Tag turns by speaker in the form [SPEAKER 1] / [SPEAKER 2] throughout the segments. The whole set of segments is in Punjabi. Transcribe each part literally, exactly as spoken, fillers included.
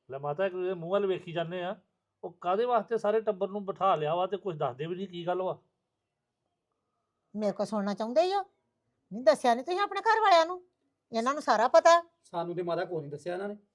[SPEAKER 1] ਲੈ ਮਾਤਾ ਇੱਕ ਮੂੰਹ ਵੱਲ ਵੇਖੀ ਜਾਂਦੇ ਆ, ਉਹ ਕਾਦੇ ਵਾਸਤੇ ਸਾਰੇ ਟੱਬਰ ਨੂੰ ਬਿਠਾ ਲਿਆ ਵਾ ਤੇ ਕੁਝ ਦੱਸਦੇ ਵੀ ਨਹੀਂ ਕੀ ਗੱਲ ਵਾ।
[SPEAKER 2] ਮੇਰੇ ਕੋਲ ਸੁਣਨਾ ਚਾਹੁੰਦੇ ਹੀ ਹੋ? ਨਹੀਂ ਦੱਸਿਆ ਨਹੀਂ ਤੁਸੀਂ ਆਪਣੇ ਘਰ ਵਾਲਿਆਂ ਨੂੰ? ਇਹਨਾਂ ਨੂੰ ਸਾਰਾ ਪਤਾ।
[SPEAKER 3] ਸਾਨੂੰ ਤੇ ਮਾਤਾ ਕੋਈ ਨਹੀਂ ਦੱਸਿਆ ਇਹਨਾਂ ਨੇ।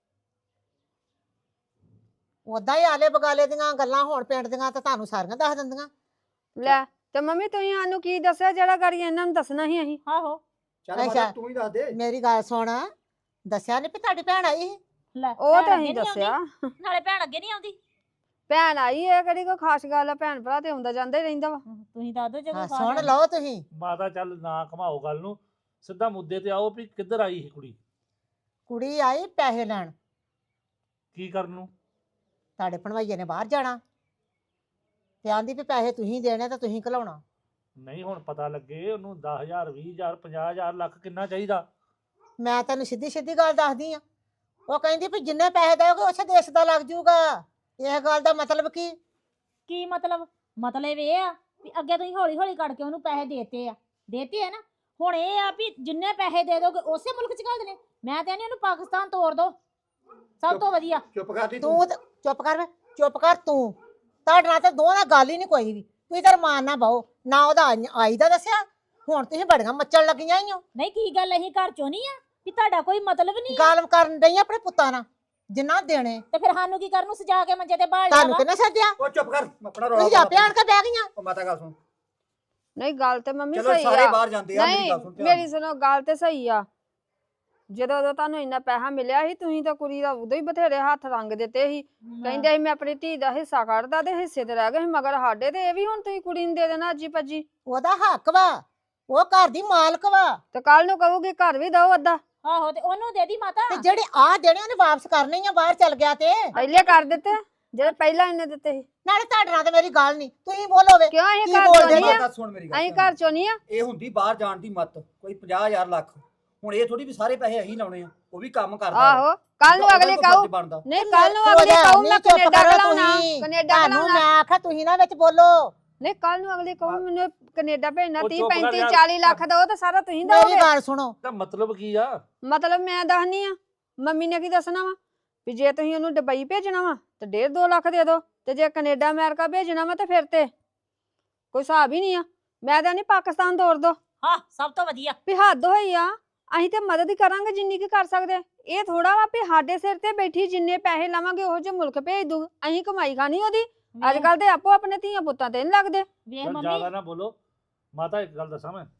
[SPEAKER 2] ਉਦਾਂ ਹੀ ਆਲੇ ਬਗਾਲੇ ਦੀਆਂ ਗੱਲਾਂ ਹੋਣ ਪਿੰਡ ਦੀਆਂ ਤਾਂ ਤੁਹਾਨੂੰ ਸਾਰੀਆਂ ਦੱਸ ਦਿੰਦੀਆਂ।
[SPEAKER 4] ਲੈ ਤੇ ਮੰਮੀ ਤੁਸੀਂ ਸਾਨੂੰ ਕੀ ਦੱਸਿਆ ਜਿਹੜਾ ਗਾੜੀ ਇਹਨਾਂ ਨੂੰ ਦੱਸਣਾ ਸੀ ਅਸੀਂ?
[SPEAKER 5] ਆਹੋ
[SPEAKER 3] ਚੱਲ ਮਾਤਾ
[SPEAKER 2] ਅੱਛਾ।
[SPEAKER 3] ਤੂੰ ਹੀ ਦੱਸ ਦੇ।
[SPEAKER 2] ਮੇਰੀ ਗੱਲ ਸੁਣ, ਦੱਸਿਆ ਨਹੀਂ ਵੀ ਤੁਹਾਡੀ ਭੈਣ ਆਈ ਸੀ?
[SPEAKER 5] ਲੈ
[SPEAKER 4] ਉਹ
[SPEAKER 5] ਭੈਣ
[SPEAKER 4] ਤਾਂ
[SPEAKER 5] ਅੱਗੇ
[SPEAKER 4] ਅਸੀਂ
[SPEAKER 5] ਨੀ
[SPEAKER 4] ਦੱਸਿਆ।
[SPEAKER 5] ਆਉਂਦੀ, ਨਾਲੇ ਭੈਣ ਅੱਗੇ ਨਹੀਂ ਆਉਂਦੀ।
[SPEAKER 4] ਭੈਣ ਆਈ ਹੈ ਕਿਹੜੀ ਕੋਈ ਖਾਸ ਗੱਲ ਆ? ਭੈਣ ਭਰਾ ਤੇ ਆਉਂਦਾ ਜਾਂਦਾ ਹੀ ਰਹਿੰਦਾ ਵਾ।
[SPEAKER 5] ਤੁਸੀਂ ਦੱਸ ਦਿਓ ਜੇ
[SPEAKER 2] ਹਾਂ
[SPEAKER 5] ਕੋਈ
[SPEAKER 2] ਸੁਣ ਲਓ ਤੁਸੀਂ।
[SPEAKER 1] ਮਾਤਾ ਚੱਲ ਨਾ ਘਮਾਓ ਗੱਲ ਨੂੰ, ਸਿੱਧਾ ਮੁੱਦੇ ਤੇ ਆਓ ਵੀ ਕਿੱਧਰ ਆਈ ਸੀ ਕੁੜੀ,
[SPEAKER 2] ਕੁੜੀ ਆਈ ਪੈਸੇ ਲੈਣ।
[SPEAKER 1] ਕੀ ਕਰਨ ਨੂੰ?
[SPEAKER 2] ਤੁਹਾਡੇ ਭਣਵਈਏ ਨੇ ਬਾਹਰ ਜਾਣਾ ਤੇ ਆਂਦੀ ਵੀ ਪੈਸੇ ਤੁਸੀਂ ਦੇਣੇ ਤਾਂ ਤੁਸੀਂ ਘਲਾਉਣਾ।
[SPEAKER 1] ਨਹੀਂ ਹੁਣ ਪਤਾ ਲੱਗੇ ਉਹਨੂੰ ਦਸ ਹਜ਼ਾਰ ਵੀਹ ਹਜ਼ਾਰ ਪੰਜਾਹ ਹਜ਼ਾਰ ਲੱਖ ਕਿੰਨਾ ਚਾਹੀਦਾ।
[SPEAKER 2] ਮੈਂ ਤੈਨੂੰ ਸਿੱਧੀ ਸਿੱਧੀ ਗੱਲ ਦੱਸਦੀ ਆ। ਉਹ ਕਹਿੰਦੀ ਵੀ ਜਿੰਨੇ ਪੈਸੇ ਦੇਓਗੇ ਉਸੇ ਦੇਸ਼ ਦਾ ਲੱਗ ਜਾਊਗਾ। ਇਹ ਗੱਲ ਦਾ ਮਤਲਬ ਕੀ?
[SPEAKER 5] ਕੀ ਮਤਲਬ? ਮਤਲਬ ਇਹ ਆ ਵੀ ਅੱਗੇ ਤੁਸੀਂ ਹੌਲੀ ਹੌਲੀ ਕਰਕੇ ਉਹਨੂੰ ਪੈਸੇ ਦੇਤੇ ਆ ਦੇਤੇ ਆ ਨਾ, ਹੁਣ ਇਹ ਆ ਵੀ ਜਿੰਨੇ ਪੈਸੇ ਦੇ ਦੋਗੇ ਉਸੇ ਮੁਲਕ ਚ ਘੱਲ ਦੇਣੇ। ਮੈਂ ਤੇ ਨਹੀਂ ਉਹਨੂੰ ਪਾਕਿਸਤਾਨ ਤੋਰ ਦੋ, ਸਭ ਤੋਂ ਵਧੀਆ।
[SPEAKER 3] ਚੁੱਪ ਕਰਦੀ
[SPEAKER 2] ਤੂੰ
[SPEAKER 3] ਤੂੰ।
[SPEAKER 2] ਤੇ- ਚੁੱਪ ਕਰ ਵੇ, ਚੁੱਪ ਕਰ ਤੂੰ। ਤੁਹਾਡੇ ਨਾਲ ਤੇ ਦੋਵਾਂ ਨਾਲ ਗੱਲ ਹੀ ਨਹੀਂ ਕੋਈ ਵੀ। ਤੁਸੀਂ ਤਾਂ ਰਮਾਨ ਨਾ ਬਹੁ ਨਾ, ਉਹਦਾ ਆਈ- ਆਈ ਦਾ ਦੱਸਿਆ। ਹੁਣ ਤੁਸੀਂ ਬੜੀਆਂ ਮੱਚਣ ਲੱਗੀਆਂ ਹੀ ਹੋ।
[SPEAKER 5] ਨਹੀਂ ਕੀ ਗੱਲ ਅਸੀਂ ਘਰ ਚੋਂ ਨਹੀਂ ਆ ਵੀ ਤੁਹਾਡਾ ਕੋਈ ਮਤਲਬ ਨਹੀਂ ਆ?
[SPEAKER 2] ਗੱਲ ਕਰਨ ਡਈ ਆਪਣੇ ਪੁੱਤਾਂ ਨਾਲ ਜਿੰਨਾ ਦੇਣੇ।
[SPEAKER 5] ਤੇ ਫਿਰ ਸਾਨੂੰ ਕੀ ਕਰਨ ਨੂੰ ਸਜਾ ਕੇ ਮੰਜੇ ਤੇ ਬਾਹਰ ਲਿਆ
[SPEAKER 2] ਤੁਹਾਨੂੰ
[SPEAKER 5] ਵਾ?
[SPEAKER 2] ਕਿਹਨੇ ਸੱਦਿਆ?
[SPEAKER 3] ਉਹ ਚੁੱਪ ਕਰ, ਆਪਣਾ ਰੌਲਾ
[SPEAKER 2] ਤੁਸੀਂ ਆਪੇ ਆਣ ਕੇ ਬਹਿ ਗਈਆਂ।
[SPEAKER 3] ਉਹ ਮਾਤਾ ਗੱਲ ਸੁਣ।
[SPEAKER 4] ਨਹੀਂ ਗੱਲ ਤੇ ਮੰਮੀ
[SPEAKER 3] ਚਲੋ
[SPEAKER 4] ਸਹੀ
[SPEAKER 3] ਸਾਰੇ
[SPEAKER 4] ਆ।
[SPEAKER 3] ਬਾਹਰ ਜਾਂਦੇ ਆ, ਮੇਰੀ
[SPEAKER 4] ਨਹੀਂ
[SPEAKER 3] ਗੱਲ ਸੁਣ ਧਿਆਨ
[SPEAKER 4] ਮੇਰੀ
[SPEAKER 3] ਨਾਲ।
[SPEAKER 4] ਸੁਣੋ ਗੱਲ ਤੇ ਸਹੀ ਆ। ਜਦੋਂ ਉਦੋਂ ਤੁਹਾਨੂੰ ਇੰਨਾ ਪੈਸਾ ਮਿਲਿਆ ਸੀ ਤੁਸੀਂ ਤਾਂ ਕੁੜੀ ਦਾ ਉਦੋਂ ਹੀ ਬਥੇਰੇ ਹੱਥ ਰੰਗ ਦਿੱਤੇ ਸੀ। ਕਹਿੰਦੇ ਸੀ ਮੈਂ ਆਪਣੀ ਧੀ ਦਾ ਹਿੱਸਾ ਕੱਢਦਾ ਤੇ ਹਿੱਸੇ ਤੇ ਰਹਿ ਗਏ ਸੀ ਮਗਰ ਸਾਡੇ, ਤੇ ਇਹ ਵੀ ਹੁਣ ਤੁਸੀਂ ਕੁੜੀ ਨੂੰ ਦੇ ਦੇਣਾ ਅੱਜੀ ਭੱਜੀ।
[SPEAKER 2] ਉਹਦਾ ਹੱਕ ਵਾ, ਉਹ ਘਰ ਦੀ ਮਾਲਕ ਵਾ।
[SPEAKER 4] ਤੇ ਕੱਲ ਨੂੰ ਕਹੂਗੀ ਘਰ ਵੀ ਦਓ ਅੱਧਾ।
[SPEAKER 5] ਆਹੋ ਤੇ ਉਹਨੂੰ ਦੇ ਦੀ ਮਾਤਾ।
[SPEAKER 2] ਤੇ ਜਿਹੜੇ ਆ ਦੇਣੇ ਉਹਨੇ ਵਾਪਸ ਕਰਨੇ ਹੀ ਆ। ਬਾਹਰ ਚੱਲ ਗਿਆ ਤੇ
[SPEAKER 4] ਪਹਿਲੇ ਕਰ ਦਿੱਤੇ ਜਿਹੜੇ ਪਹਿਲਾਂ ਇਹਨੇ ਦਿੱਤੇ ਸੀ।
[SPEAKER 2] ਨਾਲੇ ਤੁਹਾਡੇ ਨਾਲ ਤੇ ਮੇਰੀ ਗੱਲ ਨਹੀਂ। ਤੁਸੀਂ ਬੋਲੋ ਵੇ।
[SPEAKER 4] ਕਿਉਂ ਅਸੀਂ
[SPEAKER 2] ਕੀ
[SPEAKER 4] ਘਰ
[SPEAKER 2] ਬੋਲਦੇ
[SPEAKER 4] ਚੋਂ ਨਹੀਂ ਆ?
[SPEAKER 3] ਮਾਤਾ ਸੁਣ ਮੇਰੀ ਗੱਲ।
[SPEAKER 4] ਅਸੀਂ
[SPEAKER 3] ਧਿਆਨ
[SPEAKER 4] ਘਰ ਚੋਂ ਨਹੀਂ ਆ।
[SPEAKER 3] ਨਾਲ। ਇਹ ਹੁੰਦੀ ਬਾਹਰ ਜਾਣ ਦੀ ਮੱਤ, ਕੋਈ ਪੰਜਾਹ ਹਜ਼ਾਰ ਲੱਖ। ਹੁਣ ਇਹ ਥੋੜੀ ਵੀ ਸਾਰੇ ਪੈਸੇ ਅਸੀਂ ਲਾਉਣੇ ਆ, ਉਹ ਵੀ ਕੰਮ ਕਰਦਾ ਵਾ।
[SPEAKER 4] ਆਹੋ ਕੱਲ ਨੂੰ
[SPEAKER 3] ਉਹਦਾ
[SPEAKER 4] ਅਗਲੇ
[SPEAKER 3] ਕੋਈ
[SPEAKER 4] ਕਹੂ
[SPEAKER 3] ਫਰਜ਼ ਬਣਦਾ।
[SPEAKER 4] ਨਹੀਂ, ਕੱਲ ਨੂੰ
[SPEAKER 2] ਹੋ
[SPEAKER 4] ਅਗਲੇ
[SPEAKER 2] ਜਾ,
[SPEAKER 4] ਕਹੂ
[SPEAKER 2] ਨਹੀਂ
[SPEAKER 4] ਮੈਂ
[SPEAKER 2] ਚੁੱਪ
[SPEAKER 4] ਕੈਨੇਡਾ
[SPEAKER 2] ਕਰੋ
[SPEAKER 4] ਕਲਾਉਣਾ
[SPEAKER 2] ਤੁਸੀਂ।
[SPEAKER 4] ਕੈਨੇਡਾ
[SPEAKER 2] ਤੁਹਾਨੂੰ
[SPEAKER 4] ਕਲਾਉਣਾ।
[SPEAKER 2] ਮੈਂ ਆਖਿਆ ਤੁਸੀਂ ਨਾ ਵਿੱਚ ਬੋਲੋ।
[SPEAKER 4] ਨਹੀਂ ਕੱਲ ਨੂੰ ਅਗਲੇ ਕਹੂ ਮੈਨੂੰ ਕੈਨੇਡਾ ਭੇਜਣਾ
[SPEAKER 1] ਉਹ
[SPEAKER 4] ਤੀਹ
[SPEAKER 1] ਚੁੱਪ ਕਰ
[SPEAKER 4] ਪੈਂਤੀ
[SPEAKER 1] ਯਾਰ।
[SPEAKER 4] ਚਾਲੀ ਲੱਖ ਦਾ, ਉਹ ਤਾਂ ਸਾਰਾ ਤੁਸੀਂ
[SPEAKER 2] ਮੇਰੀ
[SPEAKER 4] ਦੋਗੇ।
[SPEAKER 2] ਗੱਲ ਸੁਣੋ।
[SPEAKER 1] ਤਾਂ ਮਤਲਬ ਕੀ ਆ?
[SPEAKER 4] ਮਤਲਬ ਮੈਂ ਦੱਸਣੀ ਆ, ਮੰਮੀ ਨੇ ਕੀ ਦੱਸਣਾ ਵਾ ਵੀ ਜੇ ਤੁਸੀਂ ਉਹਨੂੰ ਦੁਬਈ ਭੇਜਣਾ ਵਾ ਤੇ ਡੇਢ ਦੋ ਲੱਖ ਦੇ ਦਿਓ, ਤੇ ਜੇ ਕੈਨੇਡਾ ਅਮਰੀਕਾ ਭੇਜਣਾ ਵਾ ਤੇ ਫਿਰ ਤੇ ਕੋਈ ਹਿਸਾਬ ਹੀ ਨਹੀਂ ਆ। ਮੈਂ ਤਾਂ ਨਹੀਂ ਪਾਕਿਸਤਾਨ ਤੋਰ ਦੋ
[SPEAKER 5] ਹਾਂ ਸਭ ਤੋਂ ਵਧੀਆ।
[SPEAKER 4] ਵੀ ਹੱਦ ਹੋਈ ਆ। ਅਸੀਂ ਤੇ ਮਦਦ ਹੀ ਕਰਾਂਗੇ ਜਿੰਨੀ ਕੀ ਕਰ ਸਕਦੇ। ਇਹ ਥੋੜਾ ਵਾ ਵੀ ਸਾਡੇ ਸਿਰ ਤੇ ਬੈਠੀ ਜਿੰਨੇ ਪੈਸੇ ਲਾਵਾਂਗੇ ਉਹੋ ਜਿਹੇ ਮੁਲਕ ਭੇਜ ਦੂ। ਅਸੀਂ ਕਮਾਈ ਖਾਣੀ ਉਹਦੀ। ਅੱਜ ਕੱਲ ਤੇ ਆਪੋ ਆਪਣੇ ਧੀਆਂ ਪੁੱਤਾਂ ਤੇ ਨਹੀਂ ਲੱਗਦੇ।
[SPEAKER 5] ਵੇਖ
[SPEAKER 1] ਚੱਲ
[SPEAKER 5] ਮੰਮੀ
[SPEAKER 1] ਜ਼ਿਆਦਾ ਨਾ ਬੋਲੋ। ਮਾਤਾ ਇੱਕ ਗੱਲ ਦੱਸਾਂ ਮੈਂ,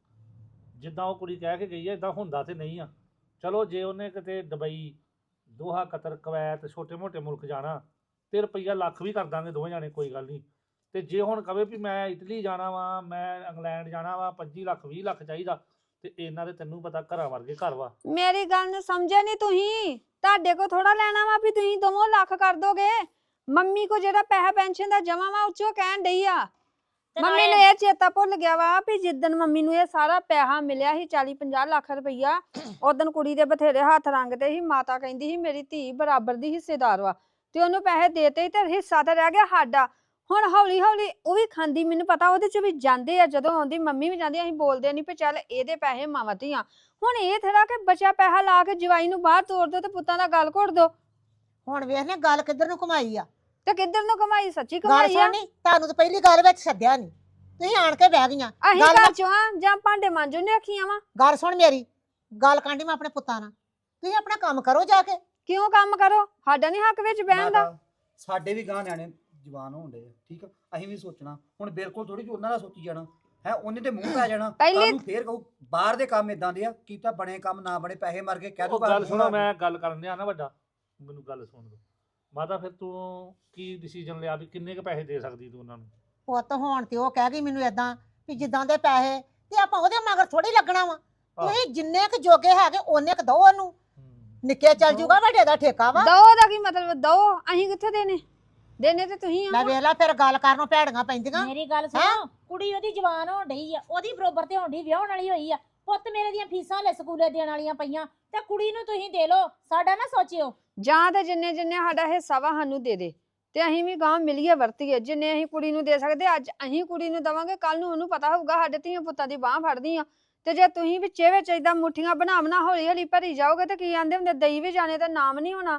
[SPEAKER 1] ਜਿੱਦਾਂ ਉਹ ਕੁੜੀ ਕਹਿ ਕੇ ਗਈ ਹੈ ਇਦਾਂ ਹੁੰਦਾ ਤੇ ਨਹੀਂ ਆ। ਚਲੋ ਜੇ ਉਹਨੇ ਕਿਤੇ ਦੁਬਈ, ਦੋਹਾ, ਕਤਰ, ਕੁਵੈਤ, ਛੋਟੇ ਮੋਟੇ ਮੁਲਕ ਜਾਣਾ ਤੇ ਰੁਪਈਆ ਲੱਖ ਵੀ ਕਰ ਦਾਂਗੇ ਦੋਵੇਂ ਜਾਣੇ, ਕੋਈ ਗੱਲ ਨਹੀਂ। ਤੇ ਜੇ ਹੁਣ ਕਵੇ ਵੀ ਮੈਂ ਇਟਲੀ ਜਾਣਾ ਵਾ, ਮੈਂ ਇੰਗਲੈਂਡ ਜਾਣਾ ਵਾ, ਪੱਚੀ ਲੱਖ ਵੀਹ ਲੱਖ ਚਾਹੀਦਾ, ਤੇ ਇਹਨਾਂ ਦੇ ਤੈਨੂੰ ਪਤਾ ਘਰਾਂ ਵਰਗੇ ਘਰ ਵਾ।
[SPEAKER 4] ਮੇਰੀ ਗੱਲ ਨੂੰ ਸਮਝਿਆ ਨਹੀਂ ਤੁਸੀਂ। ਤੁਹਾਡੇ ਕੋ ਥੋੜਾ ਲੈਣਾ ਵਾ ਵੀ ਤੁਸੀਂ ਦੋਵੇਂ ਲੱਖ ਕਰ ਦੋਗੇ। ਮੰਮੀ ਕੋ ਜਿਹੜਾ ਪੈਸਾ ਪੈਨਸ਼ਨ ਦਾ ਜਮਾ ਵਾ ਉੱਚੋ ਕਹਿਣ ਡਈ ਆ।
[SPEAKER 5] ਤੇ
[SPEAKER 4] ਮੰਮੀ ਨੂੰ
[SPEAKER 5] ਨਾਲੇ-
[SPEAKER 4] ਇਹ ਚੇਤਾ ਭੁੱਲ ਗਿਆ ਵਾ ਵੀ ਜਿੱਦਣ ਮੰਮੀ ਨੂੰ ਇਹ ਸਾਰਾ ਪੈਸਾ ਮਿਲਿਆ ਸੀ ਚਾਲੀ ਪੰਜਾਹ ਲੱਖ ਰੁਪਈਆ, ਉਦਣ ਕੁੜੀ ਦੇ ਬਥੇਰੇ ਹੱਥ ਰੰਗਦੇ ਸੀ। ਮਾਤਾ ਕਹਿੰਦੀ ਸੀ ਮੇਰੀ ਧੀ ਬਰਾਬਰ ਦੀ ਹਿੱਸੇਦਾਰ ਵਾ, ਤੇ ਉਹਨੂੰ ਪੈਸੇ ਦੇਤੇ ਤੇ ਹਿੱਸਾ ਤੇ ਰਹਿ ਗਿਆ ਸਾਡਾ। ਹੁਣ ਹੌਲੀ ਹੌਲੀ ਉਹ ਵੀ ਖਾਂਦੀ, ਮੈਨੂੰ ਪਤਾ ਉਹਦੇ ਚ ਵੀ ਜਾਂਦੇ ਆ। ਜਦੋਂ ਆਉਂਦੀ ਮੰਮੀ ਵੀ ਜਾਂਦੀ, ਅਸੀਂ ਬੋਲਦੇ ਨਹੀਂ ਵੀ ਚੱਲ ਇਹਦੇ ਪੈਸੇ ਮਾਵਾਂ ਧੀਆਂ। ਹੁਣ ਇਹ ਥੋੜਾ ਕਿ ਬਚਿਆ ਪੈਸਾ ਲਾ ਕੇ ਜਵਾਈ ਨੂੰ ਬਾਹਰ ਤੋਰ ਦੋ ਤੇ ਪੁੱਤਾਂ ਦਾ ਗਲ ਘੋੜ ਦੋ।
[SPEAKER 2] ਹੁਣ ਵੇਖ ਲੈ ਗੱਲ ਕਿੱਧਰ ਨੂੰ ਘੁਮਾਈ ਆ।
[SPEAKER 4] ਤੇ ਕਿੱਧਰ ਨੂੰ ਕਮਾਈ? ਸੱਚੀ
[SPEAKER 2] ਗੱਲ
[SPEAKER 4] ਕਮਾਈ ਆ।
[SPEAKER 2] ਸੁਣਨੀ, ਤੁਹਾਨੂੰ ਤਾਂ ਪਹਿਲੀ ਗੱਲ ਵਿੱਚ ਸੱਦਿਆ ਨਹੀਂ। ਤੁਸੀਂ ਆਣ ਕੇ ਬਹਿ ਗਈਆਂ।
[SPEAKER 4] ਅਸੀਂ
[SPEAKER 2] ਗੱਲ
[SPEAKER 4] ਘਰ ਚੋਂ ਆ ਜਾਂ ਭਾਂਡੇ ਮਾਂਜੋ ਨੇ ਰੱਖੀਆਂ ਵਾ?
[SPEAKER 2] ਗੱਲ ਸੁਣ ਮੇਰੀ ਗੱਲ ਕਾਂਡੀ ਮੈਂ ਆਪਣੇ ਪੁੱਤਾਂ ਨਾਲ। ਤੁਸੀਂ ਆਪਣਾ ਕੰਮ ਕਰੋ ਜਾ ਕੇ।
[SPEAKER 4] ਕਿਉਂ ਕੰਮ ਕਰੋ? ਸਾਡਾ ਨਹੀਂ ਹੱਕ ਵਿੱਚ ਬਹਿਣ ਦਾ।
[SPEAKER 3] ਮਾਤਾ, ਸਾਡੇ ਵੀ ਗਾਂ ਨਿਆਣੇ ਜਵਾਨ ਹੋਣ ਡੇ ਆ, ਠੀਕ ਆ। ਅਸੀਂ ਵੀ ਸੋਚਣਾ ਹੁਣ, ਬਿਲਕੁਲ ਥੋੜੀ ਜਿਹੀ ਉਹਨਾਂ ਦਾ ਸੋਚੀ ਜਾਣਾ ਹੈ। ਉਹਨੇ ਤੇ ਮੂੰਹ ਪੈ ਜਾਣਾ।
[SPEAKER 4] ਪਹਿਲੀ-
[SPEAKER 3] ਕੱਲ ਨੂੰ ਫੇਰ ਕਹੂ ਬਾਹਰ ਦੇ ਕੰਮ ਇਦਾਂ ਦੇ ਆ, ਕੀਤਾ ਬਣੇ ਕੰਮ ਨਾ ਬਣੇ, ਪੈਸੇ ਮਰ ਗਏ, ਕਹਿ
[SPEAKER 1] ਉਹ
[SPEAKER 3] ਦੂਗਾ
[SPEAKER 1] ਗੱਲ ਸੁਣੋ, ਮੈਂ ਗੱਲ ਕਰਨ ਡਿਆ ਨਾ ਵੱਡਾ, ਮੈਨੂੰ ਗੱਲ ਸੁਣ ਦੋ। ਮਾਤਾ ਫਿਰ ਤੂੰ ਕੀ ਡਿਸੀਜਨ ਲਿਆ ਵੀ ਕਿੰਨੇ ਕ ਪੈਸੇ ਦੇ ਸਕਦੀ ਤੂੰ ਉਹਨਾਂ ਨੂੰ?
[SPEAKER 2] ਪੁੱਤ ਹੋਣ ਤੇ ਉਹ ਕਹਿ ਗਈ ਮੈਨੂੰ ਏਦਾਂ ਵੀ ਜਿੱਦਾਂ ਦੇ ਪੈਸੇ ਤੇ ਆਪਾਂ ਉਹਦੇ ਮਗਰ ਥੋੜੀ ਲੱਗਣਾ ਵਾ। ਤੁਸੀਂ ਜਿੰਨੇ ਕ ਜੋਗੇ ਹੈਗੇ ਉਹਨੇ ਕ ਦੋ ਉਹਨੂੰ।
[SPEAKER 1] ਹੂੰ।
[SPEAKER 2] ਨਿੱਕੇ ਚੱਲ ਜੂਗਾ, ਵੱਡੇ ਦਾ ਠੇਕਾ ਵਾ।
[SPEAKER 4] ਦੋ ਦਾ ਕੀ ਮਤਲਬ? ਦੋ ਅਸੀਂ ਕਿੱਥੇ ਦੇਣੇ? ਦੇਣੇ ਤੇ ਤੁਸੀਂ
[SPEAKER 2] ਮੈਂ
[SPEAKER 4] ਆ।
[SPEAKER 2] ਵੇਖ ਲਾ ਫਿਰ ਗੱਲ ਕਰਨੋਂ ਭੈੜੀਆਂ ਪੈਂਦੀਆਂ।
[SPEAKER 5] ਮੇਰੀ ਗੱਲ ਸੁਣੋ, ਕੁੜੀ ਉਹਦੀ ਜਵਾਨ ਹੋਣ ਡਈ ਆ, ਉਹਦੀ ਬਰੋਬਰ ਤੇ ਹੋਣ ਡਈ, ਵਿਆਹਣ ਵਾਲੀ ਹੋਈ ਆ। ਪੁੱਤ ਮੇਰੇ ਦੀਆਂ ਫੀਸਾਂ ਲੈ ਸਕੂਲੇ ਦੇਣ ਵਾਲੀਆਂ ਪਈਆਂ, ਤੇ ਕੁੜੀ ਨੂੰ ਤੁਸੀਂ ਦੇ ਲਓ, ਸਾਡਾ ਨਾ ਸੋਚਿਓ।
[SPEAKER 4] ਜਾਂ ਤੇ ਜਿੰਨੇ ਜਿੰਨੇ ਸਾਡਾ ਹਿੱਸਾ ਵਾ ਸਾਨੂੰ ਦੇ ਦੇ, ਤੇ ਅਸੀਂ ਵੀ ਗਾਂ ਮਿਲੀਏ ਵਰਤੀਏ। ਜਿੰਨੇ ਅਸੀਂ ਕੁੜੀ ਨੂੰ ਦੇ ਸਕਦੇ ਅੱਜ ਅਸੀਂ ਕੁੜੀ ਨੂੰ ਦਵਾਂਗੇ, ਕੱਲ ਨੂੰ ਉਹਨੂੰ ਪਤਾ ਹੋਊਗਾ ਸਾਡੇ ਧੀਆਂ ਪੁੱਤਾਂ ਦੀ ਬਾਹ ਫੜਦੀ ਆ। ਤੇ ਜੇ ਤੁਸੀਂ ਵਿੱਚੇ ਵਿੱਚ ਏਦਾਂ ਮੁੱਠੀਆਂ ਬਣਾ ਬਣਾ ਹੌਲੀ ਹੌਲੀ ਭਰੀ ਜਾਓਗੇ ਤੇ ਕੀ ਆਂਦੇ ਹੁੰਦੇ, ਦਈ ਵੀ ਜਾਣੇ ਤੇ ਨਾਮ ਨਹੀਂ ਹੋਣਾ।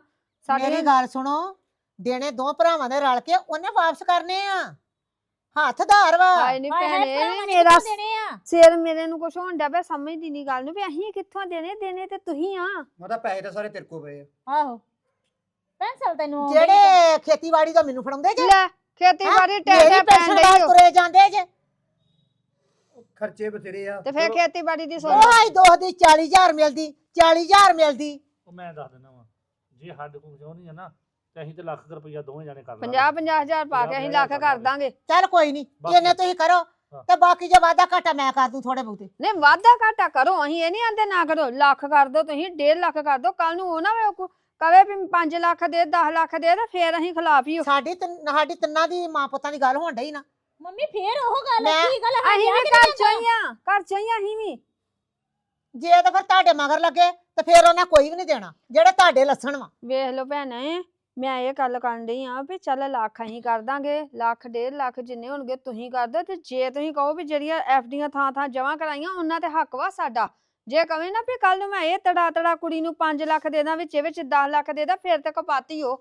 [SPEAKER 4] ਸਾਡੇ
[SPEAKER 2] ਮੇਰੀ ਗੱਲ ਸੁਣੋ, ਦੇਣੇ ਦੋ ਭਰਾਵਾਂ ਦੇ ਰਲ ਕੇ ਉਹਨੇ ਵਾਪਸ ਕਰਨੇ ਆ। ਹੱਥ ਧਾਰ ਵਾ।
[SPEAKER 4] ਹਾਏ ਨੀ
[SPEAKER 5] ਹਾਏ ਹਾਏ
[SPEAKER 4] ਭੈਣੇ
[SPEAKER 5] ਭਰਾਵਾਂ ਨੇ
[SPEAKER 4] ਮੇਰਾ
[SPEAKER 5] ਕਿੱਥੋਂ ਦੇਣੇ ਆ
[SPEAKER 4] ਸਿਰ ਮੇਰੇ ਨੂੰ ਕੁਛ ਹੋਣ ਡਿਆ ਪਿਆ, ਸਮਝਦੀ ਨਹੀਂ ਗੱਲ ਨੂੰ ਵੀ ਅਸੀਂ ਕਿੱਥੋਂ ਦੇਣੇ, ਦੇਣੇ ਤੇ ਤੁਸੀਂ ਆ।
[SPEAKER 3] ਮਾਤਾ ਪੈਸੇ ਤਾਂ ਸਾਰੇ ਤੇਰੇ ਕੋਲ ਪਏ ਆ।
[SPEAKER 5] ਆਹੋ ਪੈਨਸਲ ਤੈਨੂੰ ਆਉਂਦੀ ਨੀ
[SPEAKER 2] ਜਿਹੜੇ ਖੇਤੀਬਾੜੀ ਦਾ ਮੈਨੂੰ ਫੜਾਉਂਦੇ ਜੇ
[SPEAKER 4] ਲੈ ਖੇਤੀਬਾੜੀ
[SPEAKER 2] ਮੇਰੀ
[SPEAKER 4] ਟੈਟੇ ਪੈਣ
[SPEAKER 2] ਪੈਨਸ਼ਨ
[SPEAKER 4] ਡਈ
[SPEAKER 2] ਨਾਲ
[SPEAKER 4] ਓ।
[SPEAKER 2] ਤੁਰੇ ਜਾਂਦੇ ਜੇ।
[SPEAKER 3] ਖਰਚੇ ਬਥੇਰੇ ਆ।
[SPEAKER 4] ਤੇ ਫਿਰ
[SPEAKER 3] ਚਲੋ,
[SPEAKER 4] ਖੇਤੀਬਾੜੀ ਦੀ
[SPEAKER 2] ਉਹ
[SPEAKER 4] ਸੋਚ
[SPEAKER 2] ਆਈ ਦੋ ਦੀ ਚਾਲੀ ਹਜ਼ਾਰ ਮਿਲਦੀ, ਚਾਲੀ ਹਜ਼ਾਰ ਮਿਲਦੀ।
[SPEAKER 1] ਉਹ ਮੈਂ ਦੱਸ ਦਿੰਦਾ ਵਾਂ, ਜੇ ਸਾਡੇ ਕੋਲ ਕਿਉਂ ਨਹੀਂ ਹੈ ਨਾ ਤੇ ਅਸੀਂ ਤੇ ਲੱਖ ਕੁ ਰੁਪਈਆ ਦੋਵੇਂ ਜਾਣੇ ਕਰ
[SPEAKER 4] ਪੰਜਾਹ ਪੰਜਾਹ ਹਜ਼ਾਰ ਪਾ ਕੇ ਅਸੀਂ ਲੱਖ ਕਰ ਦਾਂਗੇ।
[SPEAKER 2] ਚੱਲ ਕੋਈ ਨਹੀਂ,
[SPEAKER 1] ਬਾਕੀ-
[SPEAKER 2] ਇਹਨੇ ਤੁਸੀਂ ਕਰੋ
[SPEAKER 1] ਹਾਂ।
[SPEAKER 2] ਤੇ ਬਾਕੀ ਜੇ ਵਾਧਾ ਘਾਟਾ ਮੈਂ ਕਰ ਦੂੰ ਥੋੜੇ ਬਹੁਤੇ।
[SPEAKER 4] ਨਹੀਂ ਵਾਧਾ ਘਾਟਾ ਕਰੋ, ਅਸੀਂ ਇਹ ਨਹੀਂ ਆਂਦੇ ਨਾ ਕਰੋ। ਲੱਖ ਕਰ ਦੋ ਤੁਸੀਂ, ਡੇਢ ਲੱਖ ਕਰ ਦੋ। ਕੱਲ ਨੂੰ ਉਹ ਨਾ ਵੇ ਕੋ- ਕਵੇ ਵੀ ਪੰਜ ਲੱਖ ਦੇ, ਦਸ ਲੱਖ ਦੇ, ਤੇ ਫੇਰ ਅਸੀਂ ਖਿਲਾਫ ਹੀ ਹੋ।
[SPEAKER 2] ਸਾਡੀ ਤਿੰਨ- ਸਾਡੀ ਤਿੰਨਾਂ ਦੀ ਮਾਂ ਪੁੱਤਾਂ ਦੀ ਗੱਲ ਹੋਣ ਡਈ ਨਾ।
[SPEAKER 5] ਮੰਮੀ ਫੇਰ ਉਹ ਗੱਲ
[SPEAKER 2] ਮੈਂ-
[SPEAKER 5] ਕੀ ਗੱਲ
[SPEAKER 4] ਅਸੀਂ
[SPEAKER 5] ਵਿਆਹ
[SPEAKER 4] ਵੀ
[SPEAKER 5] ਕਿਹਨੇ
[SPEAKER 4] ਘਰ
[SPEAKER 5] ਜਾਂਦਾ?
[SPEAKER 4] ਚੋਂ ਹੀ ਆ, ਘਰ ਚੋਂ ਹੀ ਆ ਅਸੀਂ ਵੀ।
[SPEAKER 2] ਜੇ ਤਾਂ ਫਿਰ ਤੁਹਾਡੇ ਮਗਰ ਲੱਗੇ ਤੇ ਫਿਰ ਉਹਨੇ ਕੋਈ ਵੀ ਨਹੀਂ ਦੇਣਾ, ਜਿਹੜੇ ਤੁਹਾਡੇ ਲੱਸਣ ਵਾ।
[SPEAKER 4] ਵੇਖ ਲਓ ਭੈਣੇ, ਮੈਂ ਇਹ ਗੱਲ ਕਰਨ ਡਈ ਆ ਵੀ ਚੱਲ ਲੱਖ ਅਸੀਂ ਕਰ ਦਾਂਗੇ, ਲੱਖ ਡੇਢ ਲੱਖ ਜਿੰਨੇ ਹੋਣਗੇ ਤੁਸੀਂ ਕਰ ਦਿਓ। ਤੇ ਜੇ ਤੁਸੀਂ ਕਹੋ ਵੀ ਜਿਹੜੀਆਂ ਐਫ ਡੀਆਂ ਥਾਂ ਥਾਂ ਜਮ੍ਹਾਂ ਕਰਾਈਆਂ ਉਹਨਾਂ ਤੇ ਹੱਕ ਵਾ ਸਾਡਾ। ਜੇ ਕਵੇਂ ਨਾ ਵੀ ਕੱਲ ਨੂੰ ਮੈਂ ਇਹ ਤੜਾ ਤੜਾ ਕੁੜੀ ਨੂੰ ਪੰਜ ਲੱਖ ਦੇ ਦਾਂ, ਵਿੱਚ ਵਿੱਚ ਦਸ ਲੱਖ ਦੇ ਦਾਂ, ਫਿਰ ਤੇ ਕਪਾਤੀ ਹੋ।